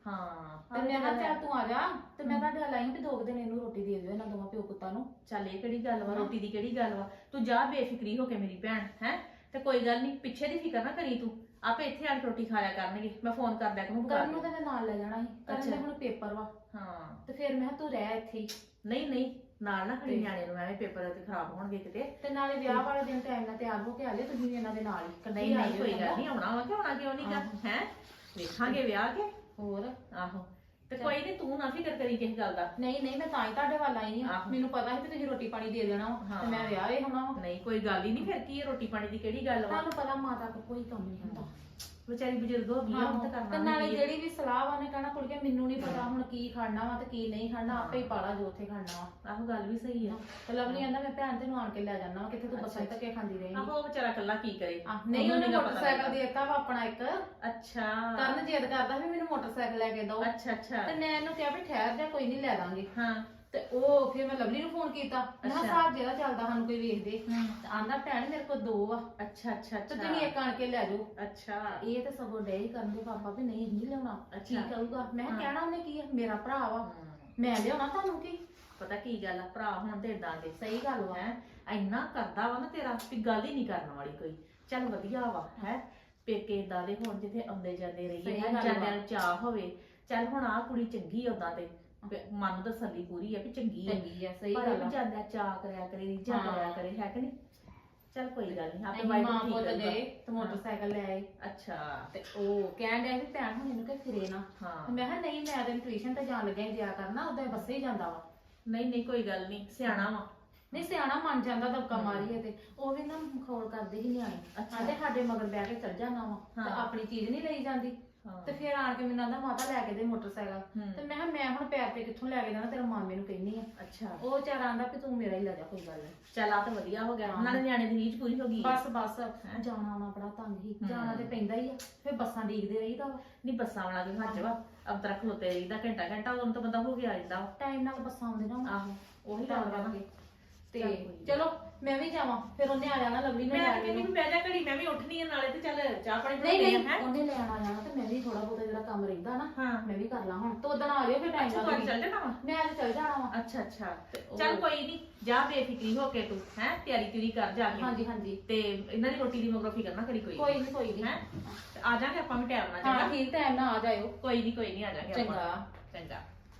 S5: ਹਾਂ
S3: ਤੇ ਮੈਂ ਕਿਹਾ ਚੱਲ ਤੂੰ ਆ ਜਾ ਤੇ ਮੈਂ ਤੁਹਾਡੇ ਵੱਲ ਆਈ ਵੀ ਦੋ ਕੁ ਦਿਨ ਇਹਨੂੰ ਰੋਟੀ ਦੇ ਦਿਓ ਇਹਨਾਂ ਦੋਵਾਂ ਪਿਓ ਪੁੱਤਾਂ ਨੂੰ।
S5: ਚੱਲ ਇਹ ਕਿਹੜੀ ਗੱਲ ਵਾ, ਰੋਟੀ ਦੀ ਕਿਹੜੀ ਗੱਲ ਵਾ, ਤੂੰ ਜਾ ਬੇਫਿਕਰੀ ਹੋ ਕੇ ਮੇਰੀ ਭੈਣ ਹੈ। ਤੇ ਕੋਈ ਗੱਲ ਨਹੀਂ, ਪਿੱਛੇ ਦੀ ਫਿਕਰ ਨਾ ਕਰੀ ਤੂੰ, ਆਪੇ ਇੱਥੇ ਆ ਕੇ ਰੋਟੀ ਖਾਇਆ ਕਰਨਗੇ, ਮੈਂ ਫੋਨ ਕਰ ਦਿਆ ਕਰੂੰ।
S3: ਕਰਨ ਨੂੰ ਤਾਂ ਮੈਂ ਨਾਲ ਲੈ ਜਾਣਾ ਸੀ, ਕਰਨ ਦੇ
S5: ਅੱਛਾ।
S3: ਹੁਣ ਪੇਪਰ ਵਾ
S5: ਹਾਂ
S3: ਤੇ ਫਿਰ ਮੈਂ ਕਿਹਾ ਤੂੰ ਰਹਿ ਇੱਥੇ ਹੀ।
S5: ਨਹੀਂ ਨਹੀਂ, ਨਾਲ ਨਾ ਖੜੀ ਨਿਆਣੇ ਨੂੰ, ਐਵੇਂ ਪੇਪਰ ਤੇ ਖਰਾਬ ਹੋਣਗੇ ਕਿਤੇ।
S3: ਤੇ ਨਾਲੇ ਵਿਆਹ ਵਾਲੇ ਦਿਨ ਟਾਈਮ ਨਾਲ ਤਿਆਰ ਹੋ ਕੇ ਆ ਲਿਓ ਤੁਸੀਂ ਵੀ ਇਹਨਾਂ ਦੇ ਨਾਲ ਹੀ। ਇਕੱਠੇ
S5: ਨਹੀਂ
S3: ਆ
S5: ਨਹੀਂ,
S3: ਜਿਓ
S5: ਕੋਈ
S3: ਚੰਗਾ।
S5: ਗੱਲ ਨਹੀਂ, ਆਉਣਾ ਵਾ ਕਿ ਆਉਣਾ ਕਿਉਂ ਨਹੀਂ ਗਾ ਹੈ, ਵੇਖਾਂਗੇ ਵਿਆਹ ਕੇ।
S3: ਹੋਰ
S5: ਆਹੋ ਤੇ ਕੋਈ ਨਹੀਂ, ਤੂੰ ਨਾ ਫਿਕਰ ਕਰੀ ਕਿਸੇ ਗੱਲ ਦਾ।
S3: ਨਹੀਂ ਨਹੀਂ, ਮੈਂ ਤਾਂ ਹੀ ਤੁਹਾਡੇ ਵੱਲ ਆਈ ਆ।
S5: ਆਹੋ।
S3: ਮੈਨੂੰ ਪਤਾ ਸੀ ਕਿ ਤੁਸੀਂ ਰੋਟੀ ਪਾਣੀ ਦੇ ਦੇਣਾ ਵਾ
S5: ਹਾਂ।
S3: ਤੇ ਮੈਂ ਵਿਆਹ ਵੇ ਹੋਣਾ ਵਾ।
S5: ਨਹੀਂ ਕੋਈ ਗੱਲ ਹੀ ਨਹੀਂ, ਫਿਰ ਕੀ ਹੈ, ਰੋਟੀ ਪਾਣੀ ਦੀ ਕਿਹੜੀ ਗੱਲ ਵਾ।
S3: ਤੁਹਾਨੂੰ ਪਤਾ ਮਾਤਾ ਕੋਲ ਕੋਈ ਕੰਮ ਨਹੀਂ ਹੁੰਦਾ।
S5: ਵਿਚਾਰੀ ਬਜ਼ੁਰਗ ਹੋ ਗਈ ਆ, ਹੁਣ ਤਾਂ
S3: ਤੇ
S5: ਕਰਨਾ
S3: ਨਾਲੇ
S5: ਵੀ ਕੀ ਹੈ।
S3: ਜਿਹੜੀ ਵੀ ਸਲਾਹ ਵਾ ਉਹਨੇ ਕਹਿਣਾ ਕੁੜੀਏ ਮੈਨੂੰ ਨਹੀਂ ਪਤਾ ਹੁਣ ਕੀ ਖਾਣਾ ਵਾ ਤੇ ਕੀ ਨਹੀਂ ਖਾਣਾ, ਆਪੇ ਹੀ ਪਾਲਾ ਜੋ ਉੱਥੇ ਖਾਣਾ ਵਾ।
S5: ਆਹੋ ਗੱਲ ਵੀ ਸਹੀ ਆ।
S3: ਤੇ ਲਵਲੀ ਕਹਿੰਦਾ ਮੈਂ ਭੈਣ ਤੈਨੂੰ ਆਣ ਕੇ ਲੈ ਜਾਣਾ ਵਾ, ਕਿੱਥੇ ਤੂੰ ਬੱਸਾਂ 'ਚ ਧੱਕੇ ਖਾਂਦੀ ਰਹੇਂਗੀ।
S5: ਆਹੋ ਉਹ ਵਿਚਾਰਾ ਇਕੱਲਾ ਕੀ ਕਰੇ।
S3: ਆਹ, ਨਹੀਂ
S5: ਉਹਨੂੰ
S3: ਉਹਨੇ
S5: ਨੀ ਗਾ ਪਤਾ
S3: ਮੋਟਰਸਾਈਕਲ
S5: ਲੱਗਦਾ।
S3: ਦੇ ਦਿੱਤਾ ਵਾ ਆਪਣਾ ਇੱਕ।
S5: ਅੱਛਾ
S3: ਕਰਨ ਜਿੱਦ ਕਰਦਾ ਵੀ ਮੈਨੂੰ ਮੋਟਰਸਾਈਕਲ ਲੈ ਕੇ ਦਿਓ।
S5: ਅੱਛਾ ਅੱਛਾ
S3: ਤੇ ਮੈਂ ਇਹਨੂੰ ਕਿਹਾ ਵੀ ਠਹਿਰ ਜਾ, ਕੋਈ ਨਹੀਂ ਲੈ ਦਾਂਗੇ।
S5: ਹਾਂ
S3: ਤੇ ਉਹ ਫਿਰ ਮੈਂ ਲਵਲੀ ਨੂੰ ਫੋਨ ਕੀਤਾ, ਮੈਂ ਕਿਹਾ
S5: ਅੱਛਾ।
S3: ਹਿਸਾਬ ਜਿਹੜਾ ਚੱਲਦਾ ਸਾਨੂੰ ਕੋਈ ਵੇਖਦੇ।
S5: ਹਮ।
S3: ਤੇ ਆਂਦਾ ਭੈਣ ਮੇਰੇ ਕੋਲ ਦੋ ਆ
S5: ਅੱਛਾ ਅੱਛਾ
S3: ਤੇ
S5: ਅੱਛਾ
S3: ਤੁਸੀਂ ਇੱਕ ਆਣ ਕੇ ਲੈ ਜਾਓ।
S5: ਅੱਛਾ
S3: ਇਹ ਤੇ ਸਗੋਂ ਡੇ ਹੀ ਕਰਨ ਦੇ ਪਾਪਾ ਵੀ ਨਹੀਂ ਨਹੀਂ ਲਿਆਉਣਾ। ਕੀ
S5: ਅੱਛਾ।
S3: ਕਹੂਗਾ? ਮੈਂ ਕਿਹਾ
S5: ਹਾਂ।
S3: ਕਹਿਣਾ ਉਹਨੇ ਕੀ ਆ, ਮੇਰਾ ਭਰਾ ਵਾ,
S5: ਹਮ।
S3: ਮੈਂ ਲਿਆਉਣਾ ਤੁਹਾਨੂੰ ਕੀ।
S5: ਪਤਾ ਕੀ ਗੱਲ ਆ, ਭਰਾ ਹੁਣ ਤੇ ਏਦਾਂ ਦੇ
S3: ਸਹੀ ਗੱਲ ਵਾ।
S5: ਹੈ, ਇੰਨਾ ਕਰਦਾ ਵਾ ਨਾ ਤੇਰਾ ਵੀ ਗੱਲ ਹੀ ਨਹੀਂ ਕਰਨ ਵਾਲੀ ਕੋਈ। ਚੱਲ ਵਧੀਆ ਵਾ ਹੈ, ਪੇਕੇ ਏਦਾਂ ਦੇ ਹੋਣ ਜਿੱਥੇ ਆਉਂਦੇ ਜਾਂਦੇ
S3: ਸਹੀ
S5: ਰਹੀਏ,
S3: ਗੱਲ ਵਾ।
S5: ਜਾਂਦਿਆਂ ਨੂੰ ਚਾਹ ਹੋਵੇ। ਚੱਲ ਹੁਣ ਆਹ ਕੁੜੀ ਚੰਗੀ ਆ ਉਦਾਂ ਤੇ ਵੀ ਮਨ ਨੂੰ ਤਸੱਲੀ ਪੂਰੀ ਆ ਵੀ ਚੰਗੀ ਆ,
S3: ਚੰਗੀ ਆ, ਸਹੀ
S5: ਪਰ
S3: ਗੱਲ
S5: ਇਹ
S3: ਆ।
S5: ਵੀ ਜਾਂਦਿਆਂ ਚਾਹ ਕਰਿਆ ਕਰੇ, ਰੀਝਾਂ
S3: ਹਾਂ।
S5: ਕਰਿਆ ਕਰੇ, ਹੈ ਕਿ ਨਹੀਂ। ਚੱਲ ਕੋਈ ਗੱਲ ਨਹੀਂ, ਆਪੇ
S3: ਅਸੀਂ
S5: ਵਾਈਫ
S3: ਮਾਂ
S5: ਠੀਕ
S3: ਪੁੱਤ
S5: ਕਰੂਗਾ।
S3: ਗਏ ਤੇ ਮੋਟਰਸਾਈਕਲ ਲੈ ਆਏ
S5: ਅੱਛਾ
S3: ਤੇ ਉਹ ਕਹਿਣ ਡਿਆ ਵੀ ਭੈਣ ਹੁਣ ਇਹਨੂੰ ਕਿ ਫਿਰੇ ਨਾ।
S5: ਹਾਂ
S3: ਤੇ ਮੈਂ ਕਿਹਾ ਨਹੀਂ, ਮੈਂ ਤਾਂ ਟਿਊਸ਼ਨ ਤੇ ਜਾਣ ਲੱਗਿਆ ਹੀ ਦਿਆ ਕਰਨਾ, ਉਦਾਂ ਬੱਸੇ ਹੀ ਜਾਂਦਾ ਵਾ।
S5: ਨਹੀਂ ਨਹੀਂ ਕੋਈ ਗੱਲ ਨਹੀਂ, ਸਿਆਣਾ ਵਾ।
S3: ਨਹੀਂ ਸਿਆਣਾ ਮੰਨ ਜਾਂਦਾ ਦਬਕਾ ਮਾਰੀਏ ਤੇ ਉਹ ਵੀ ਨਾ ਮਖੌਲ ਕਰਦੇ ਹੀ ਨਿਆਣੇ।
S5: ਅੱਛਾ।
S3: ਕਹਿੰਦੇ ਸਾਡੇ ਮਗਰ ਬਹਿ ਕੇ ਚੱਲ ਜਾਣਾ ਵਾ ਤੇ
S5: ਹਾਂ।
S3: ਆਪਣੀ ਚੀਜ਼ ਨਹੀਂ ਲਈ ਜਾਂਦੀ।
S5: ਹਾਂ।
S3: ਤੇ ਫਿਰ ਆਣ ਕੇ ਮੈਨੂੰ ਆਂਦਾ ਮਾਤਾ ਲੈ ਕੇ ਦੇ ਮੋਟਰਸਾਈਕਲ।
S5: ਹੂੰ।
S3: ਤੇ ਮੈਂ ਕਿਹਾ ਮੈਂ ਹੁਣ ਪੈਰ ਤੇ ਕਿੱਥੋਂ ਲੈ ਕੇ ਦੇਣਾ, ਤੇਰਾ ਮਾਮੇ ਨੂੰ ਕਹਿੰਨੀ ਆ।
S5: ਅੱਛਾ
S3: ਉਹ ਵਿਚਾਰਾ ਆਂਦਾ ਵੀ ਤੂੰ ਮੇਰਾ ਹੀ ਲੈ ਜਾ, ਕੋਈ ਗੱਲ ਨਹੀਂ।
S5: ਚੱਲ ਆ ਤਾਂ ਵਧੀਆ ਹੋ ਗਿਆ,
S3: ਹਾਂ।
S5: ਨਾਲੇ ਨਿਆਣੇ ਦੀ ਰੀਝ ਪੂਰੀ ਹੋ ਗਈ।
S3: ਬਸ ਬਸ ਜਾਣਾ ਆਉਣਾ ਬੜਾ ਤੰਗ ਹੀ,
S5: ਹੂੰ।
S3: ਜਾਣਾ ਤੇ ਪੈਂਦਾ ਹੀ ਆ, ਫਿਰ ਬੱਸਾਂ ਡੀਕਦੇ ਰਹੀਦਾ ਵਾ।
S5: ਨਹੀਂ ਬੱਸਾਂ ਵਾਲਾ ਵੀ ਹੱਜ ਵਾ, ਅਬ ਤੱਕ ਖਲੋਤੇ ਰਹੀਦਾ ਘੰਟਾ ਘੰਟਾ, ਉਦੋਂ ਤਾਂ ਬੰਦਾ ਹੋ ਗਿਆ ਜਾਂਦਾ ਵਾ।
S3: ਟਾਈਮ ਨਾਲ ਬੱਸਾਂ ਆਉਂਦੀਆਂ ਵਾ।
S5: ਆਹੋ ਉਹੀ
S3: ਤਾਂ
S5: ਗੱਲ ਵਾ ਨਾ।
S3: ਕਰਕੇ। ਤੇ
S5: ਚੱਲ ਕੋਈ ਨੀ।
S3: ਚਲੋ ਮੈਂ ਵੀ ਜਾਵਾਂ, ਫਿਰ ਉਹਨੇ ਆ ਜਾਣਾ ਲਵਲੀ ਨੂੰ
S5: ਮੈਂ
S3: ਲੈ
S5: ਤਾਂ
S3: ਕੇ।
S5: ਕਹਿੰਦੀ ਵੀ ਬਹਿ ਜਾ ਘੜੀ, ਮੈਂ ਵੀ ਉੱਠਣੀ ਆ ਨਾਲੇ, ਤੇ ਚੱਲ ਚਾਹ ਪਾਣੀ
S3: ਨਹੀਂ
S5: ਬਣਾਉਂਦੇ
S3: ਨਹੀਂ,
S5: ਆ, ਹੈਂ।
S3: ਉਹਨੇ ਲੈਣ ਆ ਜਾਣਾ ਤੇ ਮੈਂ ਵੀ ਥੋੜਾ ਬਹੁਤਾ ਜਿਹੜਾ ਕੰਮ ਰਹਿੰਦਾ ਨਾ
S5: ਹਾਂ।
S3: ਮੈਂ ਵੀ ਕਰ ਲਾਂ ਹੁਣ। ਤੂੰ ਉਦੋਂ ਆ ਜਾਇਓ ਫਿਰ ਟਾਈਮ
S5: ਅੱਛਾ
S3: ਨਾਲ।
S5: ਤੂੰ ਚੱਲ ਜਾਣਾ ਵਾ।
S3: ਮੈਂ ਅੱਜ ਚੱਲ ਜਾਣਾ ਵਾ।
S5: ਅੱਛਾ ਅੱਛਾ
S3: ਉਹ-
S5: ਚੱਲ ਕੋਈ ਨਹੀਂ, ਜਾ ਬੇਫਿਕਰੀ ਹੋ ਕੇ ਤੂੰ ਹੈ, ਤਿਆਰੀ ਤਿਉਰੀ ਕਰ ਜਾ ਕੇ।
S3: ਹਾਂਜੀ ਹਾਂਜੀ,
S5: ਤੇ ਇਹਨਾਂ ਦੀ ਰੋਟੀ ਦੀ ਮਗਰੋਂ ਫਿਕਰ ਨਾ ਕਰੀ ਕੋਈ।
S3: ਕੋਈ ਨਹੀਂ ਕੋਈ ਨਹੀਂ।
S5: ਹੈ ਆ ਜਾਾਂਗੇ ਆਪਾਂ ਵੀ ਟਾਈਮ ਨਾਲ।
S3: ਹਾਂ
S5: ਚੰਗਾ
S3: ਠੀਕ, ਟਾਈਮ ਨਾਲ ਆ ਜਾਇਓ।
S5: ਕੋਈ ਨਹੀਂ ਕੋਈ ਨਹੀਂ, ਆ ਜਾਾਂਗੇ ਆਪਾਂ।
S3: ਚੰਗਾ।
S5: ਚੰਗਾ